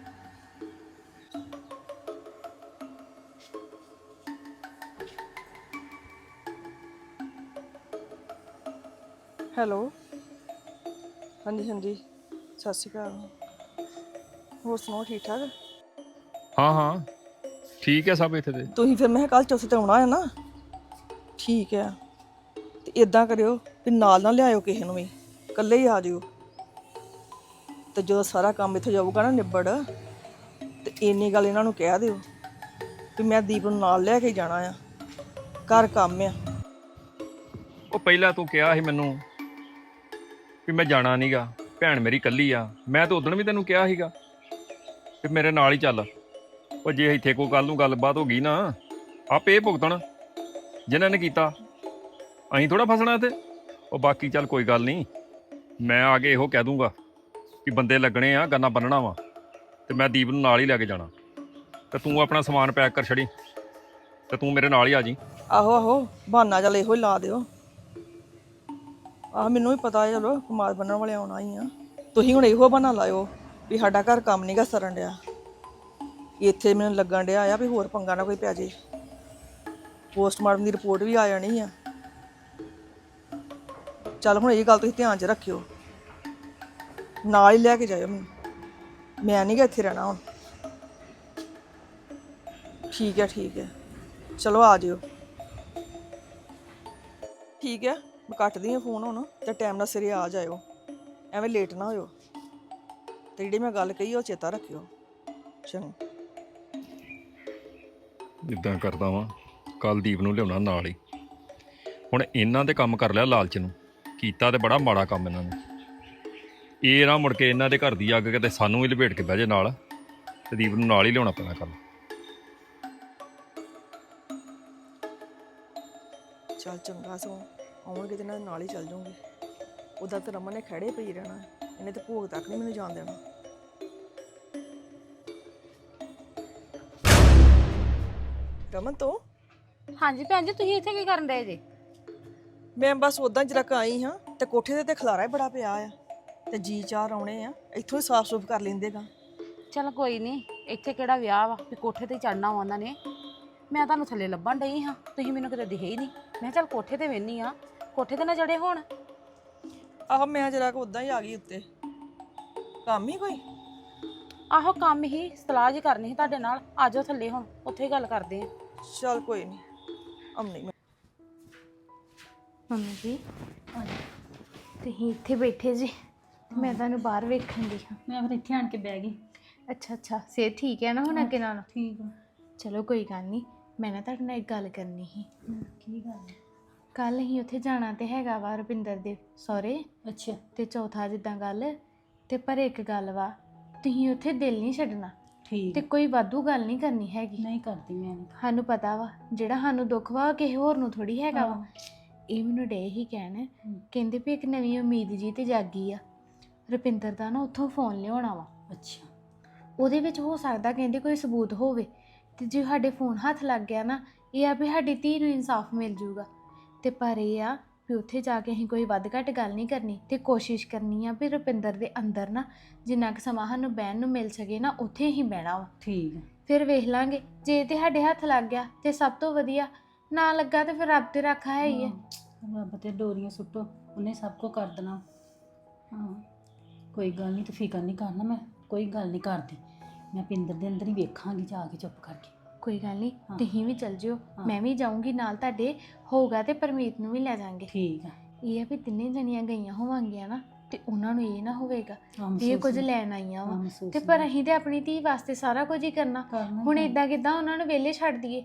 Speaker 8: ਹੈਲੋ, ਹਾਂਜੀ ਹਾਂਜੀ, ਸਤਿ ਸ਼੍ਰੀ ਅਕਾਲ। ਹੋਰ ਸੁਣਾਓ, ਠੀਕ ਠਾਕ?
Speaker 4: ਹਾਂ ਹਾਂ ਠੀਕ ਹੈ ਸਭ ਇੱਥੇ ਤੇ।
Speaker 8: ਤੁਸੀਂ ਫਿਰ ਮੈਂ ਕੱਲ ਚੌਥੇ ਤੇ ਆਉਣਾ ਹੈ ਨਾ? ਠੀਕ ਹੈ, ਤੇ ਇਦਾਂ ਕਰਿਓ ਵੀ ਨਾਲ ਨਾ ਲਿਆਇਓ ਕਿਸੇ ਨੂੰ ਵੀ, ਇਕੱਲੇ ਹੀ ਆ ਜਿਓ। ਤੇ ਜਦੋਂ ਸਾਰਾ ਕੰਮ ਇੱਥੇ ਜਾਊਗਾ ਨਾ ਨਿਬੜ, ਤੇ ਇੰਨੀ ਗੱਲ ਇਹਨਾਂ ਨੂੰ ਕਹਿ ਦਿਓ ਵੀ ਮੈਂ ਦੀਪ ਨੂੰ ਨਾਲ ਲੈ ਕੇ ਜਾਣਾ ਆ, ਘਰ ਕੰਮ ਆ।
Speaker 4: ਉਹ ਪਹਿਲਾਂ ਤੂੰ ਕਿਹਾ ਸੀ ਮੈਨੂੰ ਵੀ ਮੈਂ ਜਾਣਾ ਨਹੀਂਗਾ, ਭੈਣ ਮੇਰੀ ਇਕੱਲੀ ਆ। ਮੈਂ ਤਾਂ ਉਦੋਂ ਵੀ ਤੈਨੂੰ ਕਿਹਾ ਸੀਗਾ ਵੀ ਮੇਰੇ ਨਾਲ ਹੀ ਚੱਲ। ਉਹ ਜੇ ਇੱਥੇ ਕੋਈ ਕੱਲ ਨੂੰ ਗੱਲਬਾਤ ਹੋ ਗਈ ਨਾ, ਆਪੇ ਇਹ ਭੁਗਤਣ ਜਿਨ੍ਹਾਂ ਨੇ ਕੀਤਾ, ਅਸੀਂ ਥੋੜਾ ਫਸਣਾ ਇੱਥੇ। ਉਹ ਬਾਕੀ ਚੱਲ ਕੋਈ ਗੱਲ ਨਹੀਂ, ਮੈਂ ਆ ਕੇ ਇਹੋ ਕਹਿ ਦੂੰਗਾ ਕਿ ਬੰਦੇ ਲੱਗਣੇ ਆ, ਗੰਨਾ ਬੰਨਣਾ ਵਾ, ਤੇ ਮੈਂ ਦੀਪ ਨੂੰ ਨਾਲ ਹੀ ਲੈ ਕੇ ਜਾਣਾ। ਤੇ ਤੂੰ ਆਪਣਾ ਸਮਾਨ ਪੈਕ ਕਰ ਛੜੀ ਤੇ ਤੂੰ ਮੇਰੇ ਨਾਲ ਹੀ ਆ ਜੀ।
Speaker 8: ਆਹੋ ਆਹੋ, ਬਹਾਨਾ ਚੱਲ ਇਹੋ ਹੀ ਲਾ ਦਿਓ। ਆਹ ਮੈਨੂੰ ਵੀ ਪਤਾ ਹੈ, ਚਲੋ ਕਮਾਦ ਬੰਨਣ ਵਾਲੇ ਆਉਣਾ ਹੀ ਆ। ਤੁਸੀਂ ਹੁਣ ਇਹੋ ਬਹਾਨਾ ਲਾਇਓ ਵੀ ਸਾਡਾ ਘਰ ਕੰਮ ਨਹੀਂ ਗਾ ਸਰਨ ਡਿਆ, ਇੱਥੇ ਮੈਨੂੰ ਲੱਗਣ ਡਿਆ ਆ ਵੀ ਹੋਰ ਪੰਗਾ ਨਾ ਕੋਈ ਪੈ ਜੇ। ਪੋਸਟਮਾਰਟਮ ਦੀ ਰਿਪੋਰਟ ਵੀ ਆ ਜਾਣੀ ਆ। ਚੱਲ ਹੁਣ ਇਹ ਗੱਲ ਤੁਸੀਂ ਧਿਆਨ 'ਚ ਰੱਖਿਓ, ਨਾਲ ਹੀ ਲੈ ਕੇ ਜਾਇਓ ਮੈਨੂੰ, ਮੈਂ ਨਹੀਂ ਗਾ ਇੱਥੇ ਰਹਿਣਾ ਹੁਣ। ਠੀਕ ਹੈ ਠੀਕ ਹੈ, ਚਲੋ ਆ ਜਿਓ। ਠੀਕ ਹੈ, ਮੈਂ ਕੱਟਦੀ ਹਾਂ ਫੋਨ ਹੁਣ, ਤੇ ਟਾਈਮ ਨਾਲ ਸਿਰੇ ਆ ਜਾਇਓ, ਐਵੇਂ ਲੇਟ ਨਾ ਹੋਇਓ। ਤੇ ਜਿਹੜੀ ਮੈਂ ਗੱਲ ਕਹੀ ਉਹ ਚੇਤਾ ਰੱਖਿਓ। ਚੰਗਾ।
Speaker 4: ਇਦਾਂ ਕਰਦਾ ਵਾਂ, ਕੱਲ ਦੀਪ ਨੂੰ ਲਿਆਉਣਾ ਨਾਲ ਹੀ। ਹੁਣ ਇਹਨਾਂ ਦੇ ਕੰਮ ਕਰ ਲਿਆ ਲਾਲਚ ਨੂੰ, ਕੀਤਾ ਤੇ ਬੜਾ ਮਾੜਾ ਕੰਮ ਇਹਨਾਂ ਨੇ। ਇਹ ਨਾ ਮੁੜ ਕੇ ਇਹਨਾਂ ਦੇ ਘਰ ਦੀ ਅੱਗ ਕਿਤੇ ਸਾਨੂੰ ਵੀ ਲਪੇਟ ਕੇ ਬਹਿ ਜੇ ਨਾਲ, ਤੇ ਦੀਪ ਨੂੰ ਨਾਲ ਹੀ ਲਿਆਉਣਾ ਪੈਣਾ ਕੱਲ।
Speaker 8: ਚੱਲ ਚੰਗਾ, ਸੋ ਆਉਣਗੇ ਤੇ ਇਹਨਾਂ ਦੇ ਨਾਲ ਹੀ ਚੱਲ ਜਾਊਂਗੀ। ਉੱਦਾਂ ਤਾਂ ਰਮਨ ਨੇ ਖੜੇ ਪਈ ਰਹਿਣਾ, ਇਹਨੇ ਤੇ ਭੋਗ ਤੱਕ ਨਹੀਂ ਮੈਨੂੰ ਜਾਣ ਦੇਣਾ। ਰਮਨ ਤੋਂ
Speaker 2: ਹਾਂਜੀ ਭੈਣ ਜੀ, ਤੁਸੀਂ ਇੱਥੇ ਕੀ ਕਰਨ ਡਏ ਜੇ?
Speaker 8: ਮੈਂ ਬਸ ਉਦਾਂ ਜਰਾ ਆਈ ਹਾਂ, ਤੇ ਕੋਠੇ ਤੇ ਖਲਾਰਾ ਹੀ ਬੜਾ ਪਿਆ ਆ, ਤੇ ਜੀ ਚਾਰ ਆਉਣੇ ਆ, ਇੱਥੋਂ ਹੀ ਸਾਫ਼ ਸੁਫ ਕਰ ਲੈਂਦੇਗਾ।
Speaker 2: ਚਲ ਕੋਈ ਨਹੀਂ, ਇੱਥੇ ਕਿਹੜਾ ਵਿਆਹ ਵਾ ਵੀ ਕੋਠੇ ਤੇ ਚੜਨਾ ਵਾ ਉਹਨਾਂ ਨੇ। ਮੈਂ ਤੁਹਾਨੂੰ ਥੱਲੇ ਲੱਭਣ ਡਈ ਹਾਂ, ਤੁਸੀਂ ਮੈਨੂੰ ਕਿਤੇ ਦਿਖੇ ਹੀ ਨਹੀਂ। ਮੈਂ ਚੱਲ ਕੋਠੇ ਤੇ ਵੇਹਨੀ ਆ, ਕੋਠੇ ਤੇ ਨਾ ਚੜੇ ਹੋਣ।
Speaker 8: ਆਹ ਮੈਂ ਜਰਾ ਉਦਾਂ ਹੀ ਆ ਗਈ ਉੱਤੇ, ਕੰਮ ਹੀ ਕੋਈ।
Speaker 2: ਆਹੋ ਕੰਮ ਹੀ, ਸਲਾਹ ਜੀ ਕਰਨੀ ਸੀ ਤੁਹਾਡੇ ਨਾਲ। ਆ ਜਾਓ ਥੱਲੇ, ਹੁਣ ਉੱਥੇ ਹੀ ਗੱਲ ਕਰਦੇ ਆ।
Speaker 8: ਚੱਲ ਕੋਈ ਨਹੀਂ, ਆਉਂਦੀ ਮੈਂ।
Speaker 6: ਮੰਮੀ ਜੀ ਤੁਸੀਂ ਇੱਥੇ ਬੈਠੇ ਜੀ, ਮੈਂ ਤੁਹਾਨੂੰ ਬਾਹਰ ਵੇਖਣ ਦੀ ਹਾਂ।
Speaker 9: ਮੈਂ ਫਿਰ ਇੱਥੇ ਆਣ ਕੇ ਬਹਿ ਗਈ।
Speaker 6: ਅੱਛਾ ਅੱਛਾ, ਸਿਹਤ ਠੀਕ ਹੈ ਨਾ ਹੁਣ ਅੱਗੇ ਨਾਲ?
Speaker 9: ਠੀਕ ਆ।
Speaker 6: ਚਲੋ ਕੋਈ ਗੱਲ ਨਹੀਂ, ਮੈਂ ਨਾ ਤੁਹਾਡੇ ਨਾਲ ਇੱਕ ਗੱਲ ਕਰਨੀ ਸੀ।
Speaker 9: ਕੀ ਗੱਲ?
Speaker 6: ਕੱਲ ਹੀ ਉੱਥੇ ਜਾਣਾ ਤੇ ਹੈਗਾ ਵਾ ਰੁਪਿੰਦਰ ਦੇ ਸਹੁਰੇ।
Speaker 9: ਅੱਛਾ।
Speaker 6: ਤੇ ਚੌਥਾ ਜਿੱਦਾਂ ਗੱਲ, ਤੇ ਪਰ ਇੱਕ ਗੱਲ ਵਾ, ਤੁਸੀਂ ਉੱਥੇ ਦਿਲ ਨਹੀਂ ਛੱਡਣਾ
Speaker 9: ਠੀਕ।
Speaker 6: ਤੇ ਕੋਈ ਵਾਧੂ ਗੱਲ ਨਹੀਂ ਕਰਨੀ ਹੈਗੀ।
Speaker 9: ਨਹੀਂ ਕਰਦੀ ਮੈਂ।
Speaker 6: ਸਾਨੂੰ ਪਤਾ ਵਾ ਜਿਹੜਾ ਸਾਨੂੰ ਦੁੱਖ ਵਾ ਕਿਸੇ ਹੋਰ ਨੂੰ ਥੋੜੀ ਹੈਗਾ ਵਾ। ਇਹ ਮੈਨੂੰ ਡੇ ਹੀ ਕਹਿਣ, ਕਹਿੰਦੇ ਵੀ ਇੱਕ ਨਵੀਂ ਉਮੀਦ ਜੀ ਤੇ ਜਾਗੀ ਆ। ਰੁਪਿੰਦਰ ਦਾ ਨਾ ਉੱਥੋਂ ਫੋਨ ਲਿਆਉਣਾ ਵਾ।
Speaker 9: ਅੱਛਾ।
Speaker 6: ਉਹਦੇ ਵਿੱਚ ਹੋ ਸਕਦਾ ਕਹਿੰਦੇ ਕੋਈ ਸਬੂਤ ਹੋਵੇ, ਤੇ ਜੇ ਸਾਡੇ ਫੋਨ ਹੱਥ ਲੱਗ ਗਿਆ ਨਾ, ਇਹ ਆ ਵੀ ਸਾਡੀ ਧੀ ਨੂੰ ਇਨਸਾਫ ਮਿਲ ਜੂਗਾ। ਤੇ ਪਰ ਇਹ ਆ ਵੀ ਉੱਥੇ ਜਾ ਕੇ ਅਸੀਂ ਕੋਈ ਵੱਧ ਘੱਟ ਗੱਲ ਨਹੀਂ ਕਰਨੀ, ਤੇ ਕੋਸ਼ਿਸ਼ ਕਰਨੀ ਆ ਵੀ ਰੁਪਿੰਦਰ ਦੇ ਅੰਦਰ ਨਾ ਜਿੰਨਾ ਕੁ ਸਮਾਂ ਸਾਨੂੰ ਬਹਿਣ ਨੂੰ ਮਿਲ ਸਕੇ ਨਾ, ਉੱਥੇ ਹੀ ਬਹਿਣਾ ਵਾ।
Speaker 9: ਠੀਕ।
Speaker 6: ਫਿਰ ਵੇਖ ਲਾਂਗੇ, ਜੇ ਤੇ ਸਾਡੇ ਹੱਥ ਲੱਗ ਗਿਆ ਤੇ ਸਭ ਤੋਂ ਵਧੀਆ, ਨਾ ਲੱਗਾ ਤੇ ਫਿਰ ਰੱਬ ਤੇ ਰਾਖਾ ਹੈ ਹੀ ਹੈ।
Speaker 9: ਰੱਬ ਤੇ ਡੋਰੀਆਂ ਸੁੱਟੋ, ਉਹਨੇ ਸਭ ਕੁਝ ਕਰ ਦੇਣਾ। ਹਾਂ ਕੋਈ ਗੱਲ ਨਹੀਂ, ਤੂੰ ਫਿਕਰ ਨਹੀਂ ਕਰਨਾ, ਮੈਂ ਕੋਈ ਗੱਲ ਨਹੀਂ ਕਰਦੀ। ਮੈਂ ਪਿੰਦਰ ਦੇ ਅੰਦਰ ਹੀ ਵੇਖਾਂਗੀ ਜਾ ਕੇ ਚੁੱਪ ਕਰਕੇ।
Speaker 6: ਕੋਈ ਗੱਲ ਨਹੀਂ, ਤੁਸੀਂ ਵੀ ਚੱਲ ਜਿਓ, ਮੈਂ ਵੀ ਜਾਊਂਗੀ ਨਾਲ ਤੁਹਾਡੇ। ਹੋਊਗਾ ਤੇ ਪਰਮੀਤ ਨੂੰ ਵੀ ਲੈ ਜਾਾਂਗੇ।
Speaker 9: ਠੀਕ ਆ।
Speaker 6: ਇਹ ਆ ਵੀ ਤਿੰਨੇ ਜਣੀਆਂ ਗਈਆਂ ਹੋਵਾਂਗੀਆਂ ਨਾ, ਤੇ ਉਹਨਾਂ ਨੂੰ ਇਹ ਨਾ ਹੋਵੇਗਾ ਵੀ ਇਹ ਕੁਝ ਲੈਣ ਆਈਆਂ ਵਾ, ਤੇ ਪਰ ਅਸੀਂ ਤੇ ਆਪਣੀ ਧੀ ਵਾਸਤੇ ਸਾਰਾ ਕੁਝ ਹੀ ਕਰਨਾ। ਹੁਣ ਇਦਾਂ ਕਿਦਾਂ ਉਹਨਾਂ ਨੂੰ ਵਿਹਲੇ ਛੱਡ ਦਈਏ?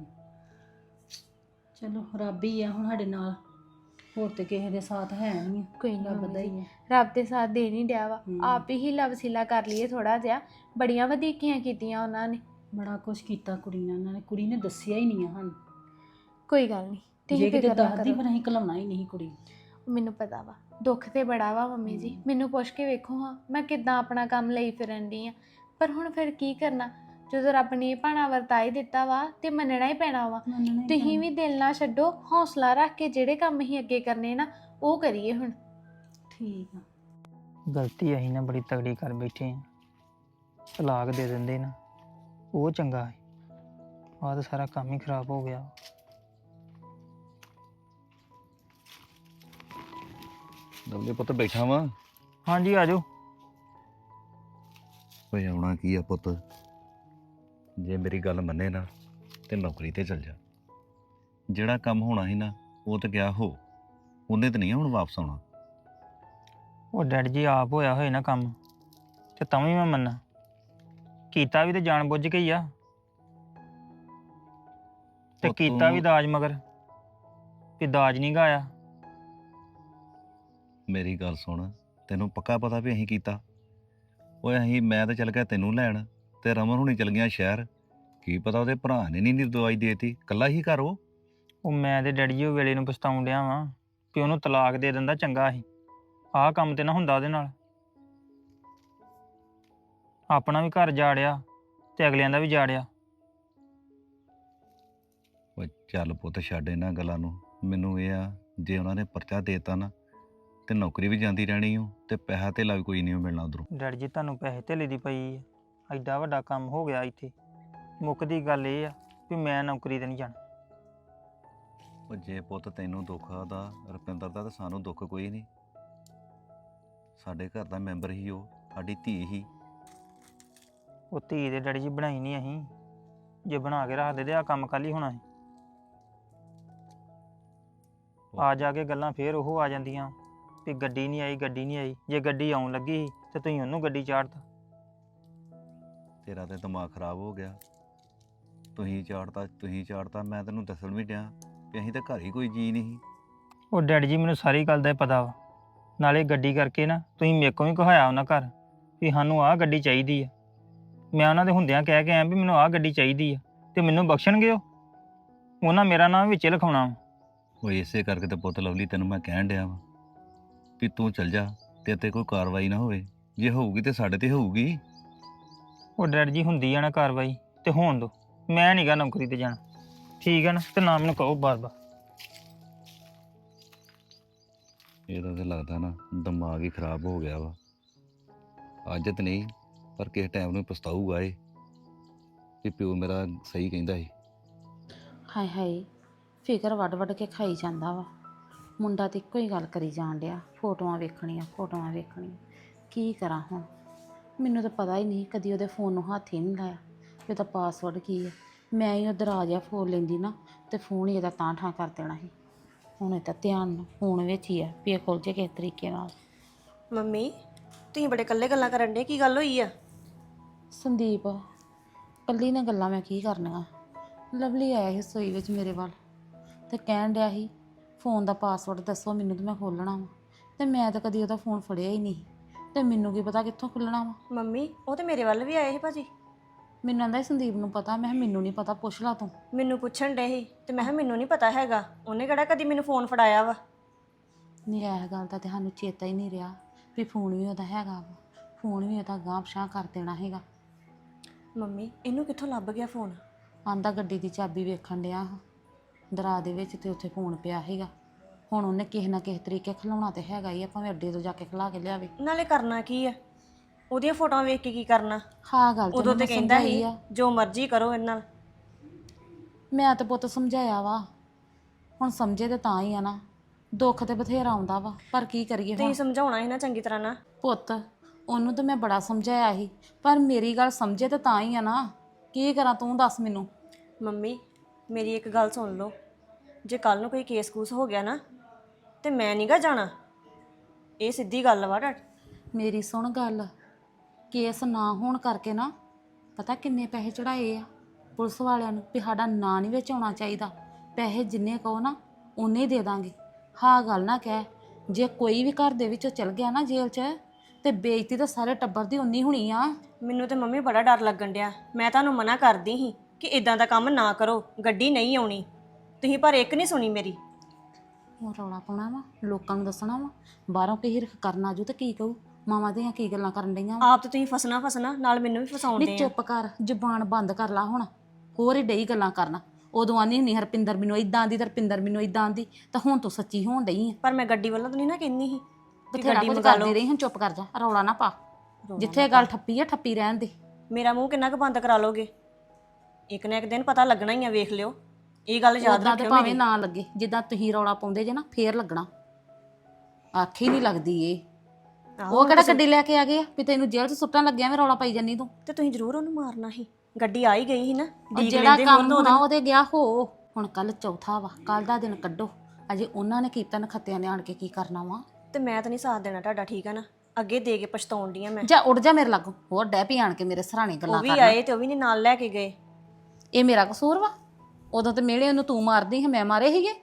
Speaker 9: ਚਲੋ ਰੱਬ ਹੀ ਆ ਹੁਣ ਸਾਡੇ ਨਾਲ, ਹੋਰ ਤੇ ਕਿਸੇ ਦੇ ਸਾਥ ਹੈ ਨਹੀਂ।
Speaker 6: ਕੋਈ ਨਹੀਂ, ਰੱਬ ਦਾ ਹੀ ਹੈ। ਰੱਬ ਦੇ ਸਾਥ ਦੇ ਨਹੀਂ ਡਿਆ ਵਾ, ਆਪ ਹੀ ਹੀਲਾ ਵਸੀਲਾ ਕਰ ਲਈਏ ਥੋੜਾ ਜਿਹਾ। ਬੜੀਆਂ ਵਧੀਕੀਆਂ ਕੀਤੀਆਂ ਉਹਨਾਂ ਨੇ,
Speaker 9: ਬੜਾ ਕੁਝ ਕੀਤਾ ਕੁੜੀ ਨੇ। ਉਹਨਾਂ ਨੇ, ਕੁੜੀ ਨੇ ਦੱਸਿਆ ਹੀ ਨਹੀਂ ਆ ਸਾਨੂੰ।
Speaker 6: ਕੋਈ ਗੱਲ ਨਹੀਂ,
Speaker 9: ਜੇ ਕਿਤੇ ਦੱਸਦੀ ਪਰ ਅਸੀਂ ਘਲਾਉਣਾ ਹੀ ਨਹੀਂ ਕੁੜੀ।
Speaker 6: ਮੈਨੂੰ ਪਤਾ ਵਾ, ਦੁੱਖ ਤੇ ਬੜਾ ਵਾ ਮੰਮੀ ਜੀ, ਮੈਨੂੰ ਪੁੱਛ ਕੇ ਵੇਖੋ ਹਾਂ ਮੈਂ ਕਿੱਦਾਂ ਆਪਣਾ ਕੰਮ ਲਈ ਫਿਰਨ ਦੀ ਆ। ਪਰ ਹੁਣ ਫਿਰ ਕੀ ਕਰਨਾ, ਜਦੋਂ ਰੱਬ ਨੇ ਇਹ ਭਾਣਾ ਵਰਤਾ ਹੀ ਦਿੱਤਾ ਵਾ ਤੇ ਮੰਨਣਾ ਹੀ ਪੈਣਾ ਵਾ।
Speaker 9: ਮੰਨਣਾ ਹੀ
Speaker 6: ਤੁਸੀਂ ਵੀ ਦਿਲ ਨਾ ਛੱਡੋ, ਹੌਸਲਾ ਰੱਖ ਕੇ ਜਿਹੜੇ ਕੰਮ ਅਸੀਂ ਅੱਗੇ ਕਰਨੇ ਨਾ ਉਹ ਕਰੀਏ ਹੁਣ।
Speaker 9: ਠੀਕ ਆ।
Speaker 3: ਗਲਤੀ ਅਸੀਂ ਨਾ ਬੜੀ ਤਗੜੀ ਕਰ ਬੈਠੇ ਆ, ਤਲਾਕ ਦੇ ਦਿੰਦੇ ਨਾ ਉਹ ਚੰਗਾ ਹੈ। ਆਹ ਤਾਂ ਸਾਰਾ ਕੰਮ ਹੀ ਖਰਾਬ ਹੋ ਗਿਆ।
Speaker 10: ਦਲਦੇ ਪੁੱਤ ਬੈਠਾ ਵਾਂ।
Speaker 3: ਹਾਂਜੀ ਆ ਜਾਓ।
Speaker 10: ਓਏ ਆਉਣਾ ਕੀ ਆ ਪੁੱਤ, ਜੇ ਮੇਰੀ ਗੱਲ ਮੰਨੇ ਨਾ ਤੇ ਨੌਕਰੀ ਤੇ ਚਲ ਜਾ। ਜਿਹੜਾ ਕੰਮ ਹੋਣਾ ਸੀ ਨਾ ਉਹ ਤਾਂ ਗਿਆ ਹੋ, ਉਹਨੇ ਤਾਂ ਨਹੀਂ ਹੁਣ ਵਾਪਸ ਆਉਣਾ।
Speaker 3: ਉਹ ਡੈਡ ਜੀ ਆਪ ਹੋਇਆ ਹੋਏ ਨਾ ਕੰਮ ਤੇ ਤਾਂ ਵੀ ਮੈਂ ਮੰਨਾਂ, ਕੀਤਾ ਵੀ ਤੇ ਜਾਣ ਬੁੱਝ ਕੇ ਹੀ ਆ, ਤੇ
Speaker 10: ਉਹ
Speaker 3: ਕੀਤਾ ਵੀ
Speaker 10: ਤੂੰ-
Speaker 3: ਦਾਜ ਮਗਰ ਕਿ ਦਾਜ ਨਹੀਂ ਗਾਇਆ।
Speaker 10: ਮੇਰੀ ਗੱਲ ਸੁਣ, ਤੈਨੂੰ ਪੱਕਾ ਪਤਾ ਵੀ ਅਸੀਂ ਕੀਤਾ? ਓਏ ਮੈਂ ਤਾਂ ਚੱਲ ਗਿਆ ਤੈਨੂੰ ਲੈਣ, ਤੇ ਰਮਨ ਹੁਣੀ ਚਲ ਗਿਆ ਸ਼ਹਿਰ। ਕੀ ਪਤਾ ਉਹਦੇ ਭਰਾ ਨੇ ਨਹੀਂ ਦਵਾਈ ਦੇਤੀ, ਕੱਲਾ ਹੀ ਘਰ
Speaker 3: ਉਹ ਮੈਂ ਤੇ ਡੈਡੀ ਜੀ ਉਹ ਵੇਲੇ ਨੂੰ ਪਛਤਾਉਣ ਡਿਆ ਵਾਂ ਕਿ ਉਹਨੂੰ ਤਲਾਕ ਦੇ ਦਿੰਦਾ ਚੰਗਾ ਸੀ। ਆਹ ਕੰਮ ਤੇ ਨਾ ਹੁੰਦਾ ਉਹਦੇ ਨਾਲ। ਆਪਣਾ ਵੀ ਘਰ ਜਾੜਿਆ ਤੇ ਅਗਲਿਆਂ ਦਾ ਵੀ ਜਾੜਿਆ।
Speaker 10: ਓਏ ਚੱਲ ਪੁੱਤ ਛੱਡ ਇਹਨਾਂ ਗੱਲਾਂ ਨੂੰ। ਮੈਨੂੰ ਇਹ ਆ, ਜੇ ਉਹਨਾਂ ਨੇ ਪਰਚਾ ਦੇਤਾ ਨਾ ਤੇ ਨੌਕਰੀ ਵੀ ਜਾਂਦੀ ਰਹਿਣੀ ਓ, ਤੇ ਪੈਸਾ ਧੇਲਾ ਵੀ ਕੋਈ ਨਹੀਂ ਮਿਲਣਾ ਉਧਰੋਂ।
Speaker 3: ਡੈਡੀ ਜੀ ਤੁਹਾਨੂੰ ਪੈਸੇ ਧੇਲੇ ਦੀ ਪਈ ਆ, ਐਡਾ ਵੱਡਾ ਕੰਮ ਹੋ ਗਿਆ ਇੱਥੇ। ਮੁੱਕਦੀ ਗੱਲ ਇਹ ਆ ਵੀ ਮੈਂ ਨੌਕਰੀ ਤੇ ਨਹੀਂ ਜਾਣਾ।
Speaker 10: ਉਹ ਜੇ ਪੁੱਤ ਤੈਨੂੰ ਦੁੱਖ ਆਦਾ ਰੁਪਿੰਦਰ ਦਾ, ਤਾਂ ਸਾਨੂੰ ਦੁੱਖ ਕੋਈ ਨਹੀਂ। ਸਾਡੇ ਘਰ ਦਾ ਮੈਂਬਰ ਹੀ ਉਹ, ਸਾਡੀ ਧੀ ਹੀ।
Speaker 3: ਉਹ ਧੀ ਦੇ ਡੈਡੀ ਜੀ ਬਣਾਈ ਨਹੀਂ ਅਸੀਂ, ਜੇ ਬਣਾ ਕੇ ਰੱਖਦੇ ਤੇ ਆ ਕੰਮ ਕੱਲ ਹੀ ਹੋਣਾ ਸੀ। ਆ ਜਾ ਕੇ ਗੱਲਾਂ ਫੇਰ ਉਹ ਆ ਜਾਂਦੀਆਂ ਵੀ ਗੱਡੀ ਨਹੀਂ ਆਈ, ਗੱਡੀ ਨਹੀਂ ਆਈ। ਜੇ ਗੱਡੀ ਆਉਣ ਲੱਗੀ ਸੀ ਤੇ ਤੁਸੀਂ ਉਹਨੂੰ ਗੱਡੀ ਚਾੜਤਾ।
Speaker 10: ਤੇਰਾ ਤੇ ਦਿਮਾਗ ਖਰਾਬ ਹੋ ਗਿਆ। ਤੁਸੀਂ ਚਾੜਤਾ। ਮੈਂ ਤੈਨੂੰ ਦੱਸਣ ਵੀ ਡਿਆ ਵੀ ਅਸੀਂ ਤਾਂ ਘਰ ਹੀ ਕੋਈ ਜੀ ਨਹੀਂ।
Speaker 3: ਉਹ ਡੈਡੀ ਜੀ ਮੈਨੂੰ ਸਾਰੀ ਗੱਲ ਦਾ ਹੀ ਪਤਾ ਵਾ। ਨਾਲੇ ਗੱਡੀ ਕਰਕੇ ਨਾ ਤੁਸੀਂ ਮੇਰੇ ਕੋਲ ਵੀ ਕਹਾਇਆ ਉਹਨਾਂ ਘਰ ਵੀ ਸਾਨੂੰ ਆਹ ਗੱਡੀ ਚਾਹੀਦੀ ਆ। ਮੈਂ ਉਹਨਾਂ ਦੇ ਹੁੰਦਿਆਂ ਕਹਿ ਕੇ ਆਇਆ ਵੀ ਮੈਨੂੰ ਆਹ ਗੱਡੀ ਚਾਹੀਦੀ ਆ, ਤੇ ਮੈਨੂੰ ਬਖਸ਼ਣਗੇ ਉਹ? ਉਹਨਾਂ ਮੇਰਾ ਨਾਮ ਵਿੱਚ ਲਿਖਾਉਣਾ ਵਾ।
Speaker 10: ਉਹ ਇਸੇ ਕਰਕੇ ਤੇ ਪੁੱਤ ਲਵਲੀ ਤੈਨੂੰ ਮੈਂ ਕਹਿਣ ਡਿਆ ਵਾ ਵੀ ਤੂੰ ਚੱਲ ਜਾ, ਤੇ ਕੋਈ ਕਾਰਵਾਈ ਨਾ ਹੋਵੇ। ਜੇ ਹੋਊਗੀ ਤੇ ਸਾਡੇ ਤੇ ਹੋਊਗੀ।
Speaker 3: ਉਹ ਡੈਡੀ ਜੀ ਹੁੰਦੀ ਆ ਨਾ ਕਾਰਵਾਈ ਤੇ ਹੋਣ ਦੋ, ਮੈਂ ਨਹੀਂਗਾ ਨੌਕਰੀ ਤੇ ਜਾਣਾ। ਠੀਕ ਹੈ ਨਾ, ਤੇ ਨਾ ਮੈਨੂੰ ਕਹੋ ਬਾਰ-ਬਾਰ।
Speaker 10: ਇਹਦਾ ਤੇ ਲੱਗਦਾ ਨਾ ਦਿਮਾਗ ਹੀ ਖਰਾਬ ਹੋ ਗਿਆ ਵਾ। ਅੱਜ ਤੇ ਨਹੀਂ, ਪਰ ਕਿਸੇ ਟਾਈਮ ਨੂੰ ਪਛਤਾਊਗਾ ਇਹ ਵੀ ਪਿਓ ਮੇਰਾ ਸਹੀ ਕਹਿੰਦਾ ਸੀ।
Speaker 2: ਹਾਏ ਹਾਏ, ਫਿਕਰ ਵੱਡ ਕੇ ਖਾਈ ਜਾਂਦਾ ਵਾ। ਮੁੰਡਾ ਤੇ ਇੱਕੋ ਹੀ ਗੱਲ ਕਰੀ ਜਾਣ ਡਿਆ, ਫੋਟੋਆਂ ਵੇਖਣੀਆਂ। ਕੀ ਕਰਾਂ ਹੁਣ? ਮੈਨੂੰ ਤਾਂ ਪਤਾ ਹੀ ਨਹੀਂ, ਕਦੀ ਉਹਦੇ ਫੋਨ ਨੂੰ ਹੱਥ ਹੀ ਨਹੀਂ ਲਾਇਆ ਵੀ ਉਹਦਾ ਪਾਸਵਰਡ ਕੀ ਹੈ। ਮੈਂ ਹੀ ਉੱਧਰ ਆ ਜਾ ਫੋਨ ਲੈਂਦੀ ਨਾ ਤੇ ਫੋਨ ਹੀ ਇਹਦਾ ਤਾਂ ਠਾਂ ਕਰ ਦੇਣਾ ਸੀ। ਹੁਣ ਇਹ ਤਾਂ ਧਿਆਨ ਫੋਨ ਵਿੱਚ ਹੀ ਆ ਵੀ ਇਹ ਖੁੱਲ ਜੇ ਕਿਸ ਤਰੀਕੇ ਨਾਲ।
Speaker 7: ਮੰਮੀ ਤੁਸੀਂ ਬੜੇ ਇਕੱਲੇ ਗੱਲਾਂ ਕਰਨ ਡੇ, ਕੀ ਗੱਲ ਹੋਈ ਆ?
Speaker 2: ਸੰਦੀਪ ਕੱਲੀ ਨੇ ਗੱਲਾਂ ਮੈਂ ਕੀ ਕਰਨੀਆਂ। ਲਵਲੀ ਆਇਆ ਸੀ ਰਸੋਈ ਵਿੱਚ ਮੇਰੇ ਵੱਲ ਤੇ ਕਹਿਣ ਡਿਆ ਸੀ ਫੋਨ ਦਾ ਪਾਸਵਰਡ ਦੱਸੋ ਮੈਨੂੰ ਤੇ ਮੈਂ ਖੋਲ੍ਹਣਾ ਵਾ। ਤੇ ਮੈਂ ਤਾਂ ਕਦੀ ਉਹਦਾ ਫੋਨ ਫੜਿਆ ਹੀ ਨਹੀਂ, ਤੇ ਮੈਨੂੰ ਕੀ ਪਤਾ ਕਿੱਥੋਂ ਖੁੱਲ੍ਹਣਾ ਵਾ।
Speaker 7: ਮੰਮੀ ਉਹ ਤੇ ਮੇਰੇ ਵੱਲ ਵੀ ਆਏ ਸੀ ਭਾਜੀ।
Speaker 2: ਮੈਨੂੰ ਆਂਦਾ ਸੰਦੀਪ ਨੂੰ ਪਤਾ। ਮੈਂ ਕਿਹਾ ਮੈਨੂੰ ਨਹੀਂ ਪਤਾ, ਪੁੱਛ ਲਾ ਤੂੰ।
Speaker 7: ਮੈਨੂੰ ਪੁੱਛਣ ਡੇ ਸੀ ਤੇ ਮੈਂ ਕਿਹਾ ਮੈਨੂੰ ਨਹੀਂ ਪਤਾ ਹੈਗਾ, ਉਹਨੇ ਕਿਹੜਾ ਕਦੀ ਮੈਨੂੰ ਫੋਨ ਫੜਾਇਆ ਵਾ।
Speaker 2: ਨਹੀਂ ਇਹ ਗੱਲ ਦਾ ਤੇ ਸਾਨੂੰ ਚੇਤਾ ਹੀ ਨਹੀਂ ਰਿਹਾ ਵੀ ਫੋਨ ਵੀ ਉਹਦਾ ਹੈਗਾ ਵਾ। ਫੋਨ ਵੀ ਉਹਦਾ ਗਾਂਹ ਪਛਾਂ ਕਰ ਦੇਣਾ ਹੈਗਾ।
Speaker 7: ਮੰਮੀ ਇਹਨੂੰ ਕਿੱਥੋਂ ਲੱਭ ਗਿਆ ਫੋਨ?
Speaker 2: ਆਂਦਾ ਗੱਡੀ ਦੀ ਚਾਬੀ ਵੇਖਣ ਡਿਆ ਦਰਾ ਦੇ ਵਿੱਚ ਤੇ ਉੱਥੇ ਫੋਨ ਪਿਆ ਹੈਗਾ। ਹੁਣ ਉਹਨੇ ਕਿਸੇ ਨਾ ਕਿਸੇ ਤਰੀਕੇ ਖਿਲਾਉਣਾ ਤੇ ਹੈਗਾ ਹੀ ਆ, ਭਾਵੇਂ ਅੱਡੇ ਤੋਂ ਜਾ ਕੇ ਖਿਲਾ ਕੇ ਲਿਆਵੇ।
Speaker 7: ਨਾਲੇ ਕਰਨਾ ਕੀ ਆ, ਉਹਦੀਆਂ ਫੋਟੋਆਂ ਵੇਖ ਕੇ ਕੀ ਕਰਨਾ?
Speaker 2: ਹਾਂ ਗੱਲ
Speaker 7: ਉਦੋਂ ਤੇ ਕਹਿੰਦਾ ਸੀ
Speaker 2: ਆ।
Speaker 7: ਜੋ ਮਰਜ਼ੀ ਕਰੋ ਇਹਨਾਂ ਨਾਲ।
Speaker 2: ਮੈਂ ਤਾਂ ਪੁੱਤ ਸਮਝਾਇਆ ਵਾ, ਹੁਣ ਸਮਝੇ ਤੇ ਤਾਂ ਹੀ ਆ ਨਾ। ਦੁੱਖ ਤੇ ਬਥੇਰਾ ਆਉਂਦਾ ਵਾ, ਪਰ ਕੀ ਕਰੀਏ ਹੁਣ?
Speaker 7: ਤੁਸੀਂ ਸਮਝਾਉਣਾ ਸੀ ਨਾ ਚੰਗੀ ਤਰ੍ਹਾਂ ਨਾ।
Speaker 2: ਪੁੱਤ ਉਹਨੂੰ ਤਾਂ ਮੈਂ ਬੜਾ ਸਮਝਾਇਆ ਸੀ, ਪਰ ਮੇਰੀ ਗੱਲ ਸਮਝੇ ਤੇ ਤਾਂ ਹੀ ਆ ਨਾ। ਕੀ ਕਰਾਂ ਤੂੰ ਦੱਸ ਮੈਨੂੰ।
Speaker 7: ਮੰਮੀ ਮੇਰੀ ਇੱਕ ਗੱਲ ਸੁਣ ਲਓ, ਜੇ ਕੱਲ ਨੂੰ ਕੋਈ ਕੇਸ-ਕੂਸ ਹੋ ਗਿਆ ਨਾ ਤੇ ਮੈਂ ਨਹੀਂਗਾ ਜਾਣਾ। ਇਹ ਸਿੱਧੀ ਗੱਲ ਵਾ ਡਾਟ।
Speaker 2: ਮੇਰੀ ਸੁਣ ਗੱਲ, ਕੇਸ ਨਾ ਹੋਣ ਕਰਕੇ ਨਾ ਪਤਾ ਕਿੰਨੇ ਪੈਸੇ ਚੜਾਏ ਆ ਪੁਲਿਸ ਵਾਲਿਆਂ ਨੂੰ ਵੀ ਸਾਡਾ ਨਾਂ ਨਹੀਂ ਵਿੱਚ ਆਉਣਾ ਚਾਹੀਦਾ। ਪੈਸੇ ਜਿੰਨੇ ਕਹੋ ਨਾ ਉਨੇ ਹੀ ਦੇ ਦਾਂਗੇ। ਹਾਂ ਗੱਲ ਨਾ ਕਹਿ, ਜੇ ਕੋਈ ਵੀ ਘਰ ਦੇ ਵਿੱਚੋਂ ਚਲ ਗਿਆ ਨਾ ਜੇਲ੍ਹ 'ਚ ਤੇ ਬੇਇੱਜ਼ਤੀ ਤਾਂ ਸਾਰੇ ਟੱਬਰ ਦੀ ਉਨੀ ਹੋਣੀ ਆ।
Speaker 7: ਮੈਨੂੰ ਤੇ ਮੰਮੀ ਬੜਾ ਡਰ ਲੱਗਣ ਡਿਆ। ਮੈਂ ਤੁਹਾਨੂੰ ਮਨਾ ਕਰਦੀ ਸੀ ਕਿ ਇਦਾਂ ਦਾ ਕੰਮ ਨਾ ਕਰੋ, ਗੱਡੀ ਨਹੀਂ ਆਉਣੀ। ਤੁਸੀਂ ਪਰ ਇੱਕ ਨਹੀਂ ਸੁਣੀ ਮੇਰੀ।
Speaker 2: ਉਹ ਰੌਲਾ ਪਾਉਣਾ ਵਾ, ਲੋਕਾਂ ਨੂੰ ਦੱਸਣਾ ਵਾ, ਬਾਹਰੋਂ ਕਿਸੇ ਹਿਰਖ ਕਰਨ ਆਜੂ ਤੇ ਕੀ ਕਹੂ, ਮਾਵਾਂ ਦੀਆਂ ਕੀ ਗੱਲਾਂ ਕਰਨ ਡਈਆਂ ਵਾ।
Speaker 7: ਆਪ ਤੇ ਤੁਸੀਂ ਫਸਣਾ ਨਾਲ ਮੈਨੂੰ ਵੀ ਫਸਾਉਂਦੇ
Speaker 2: ਨਹੀਂ
Speaker 7: ਆ।
Speaker 2: ਚੁੱਪ ਕਰ, ਜ਼ੁਬਾਨ ਬੰਦ ਕਰ ਲਾ ਹੁਣ, ਹੋਰ ਹੀ ਡਈ ਗੱਲਾਂ ਕਰਨਾ। ਉਦੋਂ ਆਨੀ ਹੁੰਦੀ ਹਰਪਿੰਦਰ ਮੈਨੂੰ ਇਦਾਂ ਆਂਦੀ ਤੇ ਹਰਪਿੰਦਰ ਮੈਨੂੰ ਇਦਾਂ ਆਂਦੀ, ਤਾਂ ਹੁਣ ਤੂੰ ਸੱਚੀ ਹੋਣ ਡਈ ਆ।
Speaker 7: ਪਰ ਮੈਂ ਗੱਡੀ ਵੱਲੋਂ ਤਾਂ ਨਹੀਂ ਨਾ ਕਹਿੰਦੀ ਸੀ ਕਿ
Speaker 2: ਬਥੇਰਾ
Speaker 7: ਗੱਡੀ
Speaker 2: ਕੁਝ
Speaker 7: ਮੰਗਾ
Speaker 2: ਕਰਦੀ
Speaker 7: ਲਓ।
Speaker 2: ਰਹੀ, ਹੁਣ ਚੁੱਪ ਕਰ ਜਾ, ਰੌਲਾ ਨਾ ਪਾ। ਜਿੱਥੇ ਗੱਲ ਠੱਪੀ ਆ ਠੱਪੀ ਰਹਿਣ ਦੇ।
Speaker 7: ਮੇਰਾ ਮੂੰਹ ਕਿੰਨਾ ਕੁ ਬੰਦ ਕਰਾ ਲੋਗੇ? ਇੱਕ ਨਾ ਇੱਕ ਦਿਨ ਪਤਾ ਲੱਗਣਾ ਹੀ ਆ, ਵੇਖ ਲਿਓ। ਇਹ ਗੱਲ ਯਾਦ
Speaker 2: ਉਦਾਂ ਤੇ
Speaker 7: ਰੱਖਿਓ
Speaker 2: ਭਾਵੇਂ
Speaker 7: ਮੇਰੀ।
Speaker 2: ਨਾ ਲੱਗੇ, ਜਿੱਦਾਂ ਤੁਸੀਂ ਰੌਲਾ ਪਾਉਂਦੇ ਜੇ ਨਾ ਫੇਰ ਲੱਗਣਾ। ਆਖੀ ਨਹੀਂ ਲੱਗਦੀ ਇਹ।
Speaker 7: ਆਹੋ,
Speaker 2: ਉਹ ਕਿਹੜਾ ਗੱਡੀ ਲੈ ਕੇ ਆ ਗਏ ਆ ਵੀ ਤੈਨੂੰ ਜੇਲ੍ਹ 'ਚ ਸੁੱਟਣ ਲੱਗਿਆ ਵੀ ਰੌਲਾ ਪਾਈ ਜੰਨੀ ਤੂੰ।
Speaker 7: ਤੇ ਤੁਸੀਂ ਜ਼ਰੂਰ ਉਹਨੂੰ ਮਾਰਨਾ ਸੀ। ਗੱਡੀ ਆ ਹੀ ਗਈ ਸੀ ਨਾ,
Speaker 2: ਉਹ
Speaker 7: ਡੀਕ
Speaker 2: ਜਿਹੜਾ
Speaker 7: ਲੈਂਦੇ
Speaker 2: ਕੰਮ
Speaker 7: ਹੋਰ
Speaker 2: ਹੋਣਾ
Speaker 7: ਦੋ
Speaker 2: ਉਹਦੇ ਗਿਆ ਹੋ। ਹੁਣ ਕੱਲ ਚੌਥਾ ਵਾ, ਕੱਲ ਦਾ ਦਿਨ ਕੱਢੋ। ਅਜੇ ਉਹਨਾਂ ਨੇ ਕੀਤਾ ਨਖੱਤਿਆਂ ਨੇ ਆਣ ਕੇ ਕੀ ਕਰਨਾ ਵਾ।
Speaker 7: ਤੇ ਮੈਂ ਤਾਂ ਨਹੀਂ ਸਾਥ ਦੇਣਾ ਤੁਹਾਡਾ, ਠੀਕ ਆ ਨਾ? ਅੱਗੇ ਦੇ ਕੇ ਪਛਤਾਉਣ ਡਈ ਆ ਮੈਂ।
Speaker 2: ਜਾ ਉੱਡ ਜਾ ਮੇਰੇ ਲਾਗੋਂ, ਹੋਰ ਡੈ ਪੀ ਆਣ ਕੇ ਮੇਰੇ ਸਰਾਣੇ
Speaker 7: ਉਹ
Speaker 2: ਗੱਲਾਂ
Speaker 7: ਵੀ
Speaker 2: ਕਰਨਾ।
Speaker 7: ਆਏ ਤੇ ਉਹ ਵੀ ਨਹੀਂ ਨਾਲ ਲੈ ਕੇ ਗਏ।
Speaker 2: ਇਹ ਮੇਰਾ ਕਸੂਰ ਵਾ? ਉਦੋਂ ਤੇ ਮਿਹਣੇ ਉਹਨੂੰ ਤੂੰ ਮਾਰਦੀ ਹੈ, ਮੈਂ ਮਾਰੇ ਸੀਗੇ।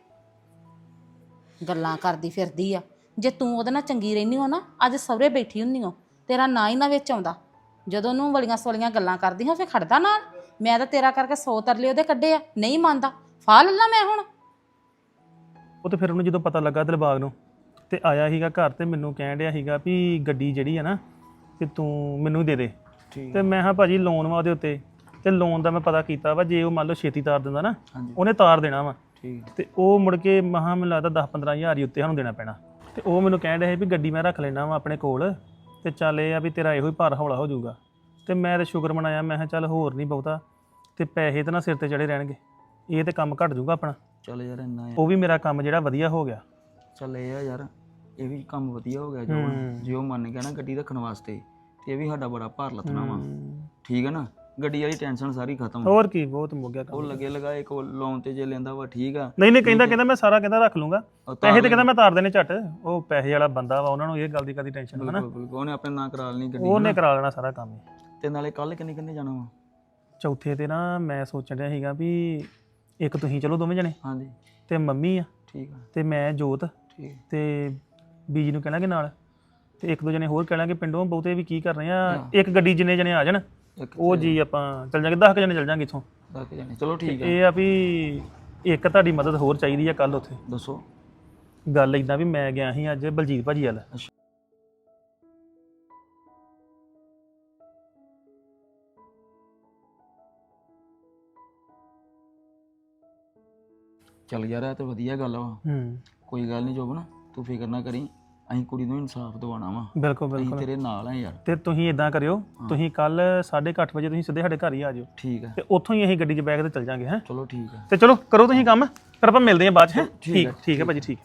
Speaker 2: ਗੱਲਾਂ ਕਰਦੀ ਫਿਰਦੀ ਆ। ਜੇ ਤੂੰ ਉਹਦੇ ਨਾਲ ਚੰਗੀ ਰਹਿੰਦੀ ਹੋ ਨਾ, ਅੱਜ ਸਹੁਰੇ ਬੈਠੀ ਹੁੰਦੀ ਹੋ, ਤੇਰਾ ਨਾਂ ਹੀ ਨਾ ਵਿੱਚ ਆਉਂਦਾ। ਜਦੋਂ ਉਹਨੂੰ ਵਲੀਆਂ ਸੋਲੀਆਂ ਗੱਲਾਂ ਕਰਦੀ ਹਾਂ ਫੇ ਖੜਦਾ ਨਾਲ। ਮੈਂ ਤਾਂ ਤੇਰਾ ਕਰਕੇ 100 ਤਰਲੇ ਉਹਦੇ ਕੱਢੇ ਆ, ਨਹੀਂ ਮੰਨਦਾ। ਫਾਹ ਲੱਲਾ ਮੈਂ ਹੁਣ।
Speaker 5: ਉਹ ਤੇ ਫਿਰ ਉਹਨੂੰ ਜਦੋਂ ਪਤਾ ਲੱਗਾ ਦਿਲਬਾਗ ਨੂੰ ਤੇ ਆਇਆ ਸੀਗਾ ਘਰ ਤੇ ਮੈਨੂੰ ਕਹਿਣ ਡਿਆ ਸੀਗਾ ਵੀ ਗੱਡੀ ਜਿਹੜੀ ਆ ਨਾ ਕਿ ਤੂੰ ਮੈਨੂੰ ਦੇ ਦੇ। ਤੇ ਮੈਂ ਹਾਂ ਭਾਜੀ ਲੋਨ ਵਾ ਉਹਦੇ ਉੱਤੇ, ਤੇ ਲੋਨ ਦਾ ਮੈਂ ਪਤਾ ਕੀਤਾ ਵਾ, ਜੇ ਉਹ ਮੰਨ ਲਓ ਛੇਤੀ ਤਾਰ ਦਿੰਦਾ ਨਾ ਉਹਨੇ ਤਾਰ ਦੇਣਾ ਵਾ। ਤੇ ਉਹ ਮੁੜ ਕੇ ਮਹਾਂ ਮੈਨੂੰ ਲੱਗਦਾ 10-15 ਹਜ਼ਾਰ ਹੀ ਉੱਤੇ ਸਾਨੂੰ ਦੇਣਾ ਪੈਣਾ। ਤੇ ਉਹ ਮੈਨੂੰ ਕਹਿਣ ਡਿਆ ਸੀ ਵੀ ਗੱਡੀ ਮੈਂ ਰੱਖ ਲੈਣਾ ਵਾ ਆਪਣੇ ਕੋਲ, ਤੇ ਚੱਲ ਇਹ ਆ ਵੀ ਤੇਰਾ ਇਹੋ ਹੀ ਭਾਰ ਹੌਲਾ ਹੋ ਜਾਊਗਾ। ਤੇ ਮੈਂ ਤਾਂ ਸ਼ੁਕਰ ਮਨਾਇਆ, ਮੈਂ ਕਿਹਾ ਚੱਲ ਹੋਰ ਨਹੀਂ ਬਹੁਤਾ, ਤੇ ਪੈਸੇ ਤਾਂ ਨਾ ਸਿਰ ਤੇ ਚੜੇ ਰਹਿਣਗੇ, ਇਹ ਤੇ ਕੰਮ ਘਟ ਜਾਊਗਾ ਆਪਣਾ।
Speaker 3: ਚੱਲ ਯਾਰ ਇੰਨਾ
Speaker 5: ਉਹ ਵੀ ਮੇਰਾ ਕੰਮ ਜਿਹੜਾ ਵਧੀਆ ਹੋ ਗਿਆ।
Speaker 3: ਚੱਲ ਇਹ ਆ ਯਾਰ, ਇਹ ਵੀ ਕੰਮ ਵਧੀਆ ਹੋ ਗਿਆ ਜੋ ਜੇ ਉਹ ਮੰਨ ਗਿਆ ਨਾ ਗੱਡੀ ਰੱਖਣ ਵਾਸਤੇ, ਤੇ ਇਹ ਵੀ ਸਾਡਾ ਬੜਾ ਭਾਰ ਲੱਥਣਾ ਵਾ। ਠੀਕ ਹੈ ਨਾ, ਗੱਡੀ ਵਾਲੀ ਟੈਨਸ਼ਨ ਸਾਰੀ ਖਤਮ।
Speaker 5: ਹੋਰ ਕੀ, ਬਹੁਤ ਮੁੱਕ ਗਿਆ ਕੰਮ।
Speaker 3: ਉਹ ਲੱਗੇ ਲਗਾਏ ਕੋ ਲੋਨ ਤੇ ਜੇ ਲੈਂਦਾ ਵਾ ਠੀਕ ਆ।
Speaker 5: ਨਹੀਂ ਕਹਿੰਦਾ ਮੈਂ ਸਾਰਾ ਕਹਿੰਦਾ ਰੱਖ ਲੂੰਗਾ, ਪੈਸੇ ਤੇ ਕਹਿੰਦਾ ਮੈਂ ਤਾਰ ਦੇਣੇ ਝੱਟ। ਉਹ ਪੈਸੇ ਵਾਲਾ ਬੰਦਾ ਵਾ, ਉਹਨਾਂ ਨੂੰ ਇਹ ਗੱਲ ਦੀ ਕਦੀ ਟੈਨਸ਼ਨ ਹੈ ਨਾ।
Speaker 3: ਉਹਨੇ ਆਪਣੇ ਨਾਂ ਕਰਾ ਲੈਣੀ ਗੱਡੀ,
Speaker 5: ਉਹਨੇ ਕਰਾ ਲੈਣਾ ਸਾਰਾ ਕੰਮ।
Speaker 3: ਤੇ ਨਾਲੇ ਕੱਲ ਕਿੰਨੇ ਜਾਣਾ ਵਾ?
Speaker 5: ਚੌਥੇ ਤੇ ਨਾ ਮੈਂ ਸੋਚਣ ਰਿਹਾ ਸੀਗਾ ਵੀ ਇੱਕ ਤੁਸੀਂ ਚਲੋ ਦੋਵੇਂ ਜਣੇ,
Speaker 3: ਹਾਂਜੀ
Speaker 5: ਤੇ ਮੰਮੀ ਆ,
Speaker 3: ਠੀਕ ਆ,
Speaker 5: ਤੇ ਮੈਂ ਜੋਤ,
Speaker 3: ਠੀਕ
Speaker 5: ਤੇ ਬੀਜੀ ਨੂੰ ਕਹਿਣਾਗੇ ਨਾਲ, ਤੇ ਇੱਕ ਦੋ ਜਣੇ ਹੋਰ ਕਹਿਣਾਗੇ ਪਿੰਡੋਂ। ਬਹੁਤੇ ਵੀ ਕੀ ਕਰਨੇ ਆ, ਇੱਕ ਗੱਡੀ ਜਿੰਨੇ ਜਣੇ ਆ ਜਾਣ ਉਹ ਜੀ ਆਪਾਂ ਚੱਲ ਜਾਾਂਗੇ, 10 ਜਣੇ ਚੱਲ ਜਾਾਂਗੇ ਇੱਥੋਂ।
Speaker 3: 10 ਜਾਣੇ ਚਲੋ ਠੀਕ ਆ।
Speaker 5: ਇਹ ਆ ਵੀ ਇੱਕ ਤੁਹਾਡੀ ਮਦਦ ਹੋਰ ਚਾਹੀਦੀ ਆ। ਕੱਲ ਉੱਥੇ
Speaker 3: ਦੱਸੋ।
Speaker 5: ਗੱਲ ਇਦਾਂ ਵੀ ਮੈਂ ਗਿਆ ਸੀ ਅੱਜ ਬਲਜੀਤ ਭਾਜੀ ਵੱਲ।
Speaker 3: ਚੱਲ ਯਾਰ ਇਹ ਤਾਂ ਵਧੀਆ ਗੱਲ ਵਾ। ਕੋਈ ਗੱਲ ਨਹੀਂ ਜੋਬਨ, ਤੂੰ ਫਿਕਰ ਨਾ ਕਰੀ, ਅਸੀਂ ਕੁੜੀ ਨੂੰ ਇਨਸਾਫ ਦਿਵਾਉਣਾ ਵਾ।
Speaker 5: ਬਿਲਕੁਲ
Speaker 3: ਅਸੀਂ
Speaker 5: ਬਿਲਕੁਲ
Speaker 3: ਤੇਰੇ ਨਾਲ ਆ ਯਾਰ।
Speaker 5: ਤੇ ਤੁਸੀਂ ਇਦਾਂ ਕਰਿਓ, ਤੁਸੀਂ ਕੱਲ 8:30 ਵਜੇ ਤੁਸੀਂ ਸਿੱਧੇ ਸਾਡੇ ਘਰ ਹੀ ਆ ਜਾਓ,
Speaker 3: ਠੀਕ ਆ,
Speaker 5: ਤੇ ਉੱਥੋਂ ਹੀ ਅਸੀਂ ਗੱਡੀ 'ਚ ਬੈਗ ਤੇ ਚੱਲ ਜਾਾਂਗੇ। ਹੈ
Speaker 3: ਚਲੋ ਠੀਕ ਆ।
Speaker 5: ਤੇ ਚਲੋ ਕਰੋ ਤੁਸੀਂ ਕੰਮ, ਫਿਰ ਆਪਾਂ ਮਿਲਦੇ ਹਾਂ ਬਾਅਦ 'ਚ। ਹੈਂ? ਠੀਕ ਹੈ ਭਾਜੀ, ਠੀਕ।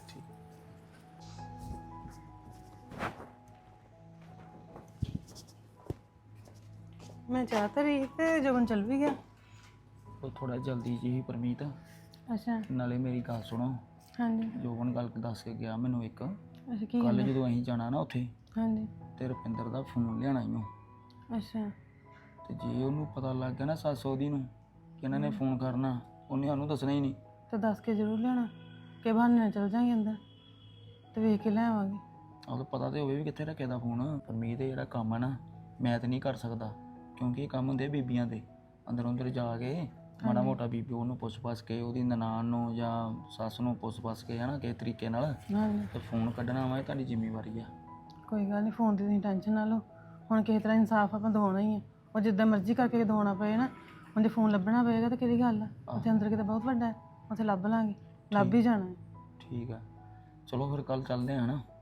Speaker 11: ਮੈਂ ਚਾਹ ਤਾਂ ਰਹੀ ਤੇ ਜੋਬਨ ਚੱਲ ਵੀ ਗਿਆ।
Speaker 3: ਉਹ ਥੋੜਾ ਜਲਦੀ ਜੀ ਪਰਮੀਤ,
Speaker 11: ਅੱਛਾ
Speaker 3: ਨਾਲੇ ਮੇਰੀ ਗੱਲ ਸੁਣੋ।
Speaker 11: ਹਾਂਜੀ
Speaker 3: ਜੋਬਨ ਗੱਲ ਦੱਸ ਕੇ ਗਿਆ ਮੈਨੂੰ ਇੱਕ,
Speaker 11: ਅੱਛਾ ਕੀ
Speaker 3: ਕੱਲ ਜਦੋਂ ਅਸੀਂ ਜਾਣਾ ਨਾ ਉੱਥੇ,
Speaker 11: ਹਾਂਜੀ
Speaker 3: ਤੇ ਰੁਪਿੰਦਰ ਦਾ ਫੋਨ ਲਿਆਣਾ ਈ ਓ।
Speaker 11: ਅੱਛਾ
Speaker 3: ਤੇ ਜੇ ਉਹਨੂੰ ਪਤਾ ਲੱਗ ਗਿਆ ਨਾ ਸੱਸ ਉਹਦੀ ਨੂੰ ਕਿ ਇਹਨਾਂ ਨੇ ਫੋਨ ਕਰਨਾ, ਉਹਨੇ ਸਾਨੂੰ ਦੱਸਣਾ ਹੀ ਨਹੀਂ।
Speaker 11: ਤਾਂ ਦੱਸ ਕੇ ਜ਼ਰੂਰ ਲਿਆਉਣਾ ਕਿ ਬਹਾਨੇ ਨਾਲ ਚੱਲ ਜਾਾਂਗੇ ਅੰਦਰ ਤੇ ਵੇਖ ਕੇ ਲੈ ਆਵਾਂਗੇ।
Speaker 3: ਉਹਨੂੰ ਪਤਾ ਤੇ ਹੋਵੇ ਵੀ ਕਿੱਥੇ ਰੱਖਿਆ ਦਾ ਫੋਨ। ਪਰਮੀਤ ਇਹ ਜਿਹੜਾ ਕੰਮ ਹੈ ਨਾ, ਮੈਂ ਤਾਂ ਨਹੀਂ ਕਰ ਸਕਦਾ, ਕਿਉਂਕਿ ਇਹ ਕੰਮ ਹੁੰਦੇ ਬੀਬੀਆਂ ਦੇ। ਅੰਦਰ ਅੰਦਰ ਜਾ ਕੇ ਮਾੜਾ ਮੋਟਾ ਬੀਬੀ ਉਹਨੂੰ ਪੁੱਛ ਕੇ, ਉਹਦੀ ਨਨਾਣ ਨੂੰ ਜਾਂ ਸੱਸ ਨੂੰ ਪੁੱਛ ਕੇ, ਹੈ ਨਾ, ਕਿਸੇ ਤਰੀਕੇ ਨਾਲ
Speaker 11: ਹਾਂਜੀ
Speaker 3: ਤੇ ਫੋਨ ਕੱਢਣਾ ਵਾ, ਇਹ ਤੁਹਾਡੀ ਜ਼ਿੰਮੇਵਾਰੀ ਆ।
Speaker 11: ਕੋਈ ਗੱਲ ਨਹੀਂ, ਫੋਨ ਦੀ ਤੁਸੀਂ ਟੈਨਸ਼ਨ ਨਾ ਲਓ। ਹੁਣ ਕਿਸੇ ਤਰ੍ਹਾਂ ਇਨਸਾਫ ਆਪਾਂ ਦਿਵਾਉਣਾ ਹੀ ਹੈ। ਉਹ ਜਿੱਦਾਂ ਮਰਜ਼ੀ ਕਰਕੇ ਦਿਵਾਉਣਾ ਪਏ ਨਾ, ਉਹਦੇ ਫੋਨ ਲੱਭਣਾ ਪਏਗਾ ਤਾਂ ਕਿਹੜੀ ਗੱਲ ਆ। ਉੱਥੇ ਅੰਦਰ ਕਿਤੇ ਬਹੁਤ ਵੱਡਾ ਹੈ, ਉੱਥੇ ਲੱਭ ਲਾਂਗੇ, ਲੱਭ ਹੀ ਜਾਣਾ ਹੈ।
Speaker 3: ਠੀਕ ਆ, ਚਲੋ ਫਿਰ ਕੱਲ ਚੱਲਦੇ ਆ ਨਾ।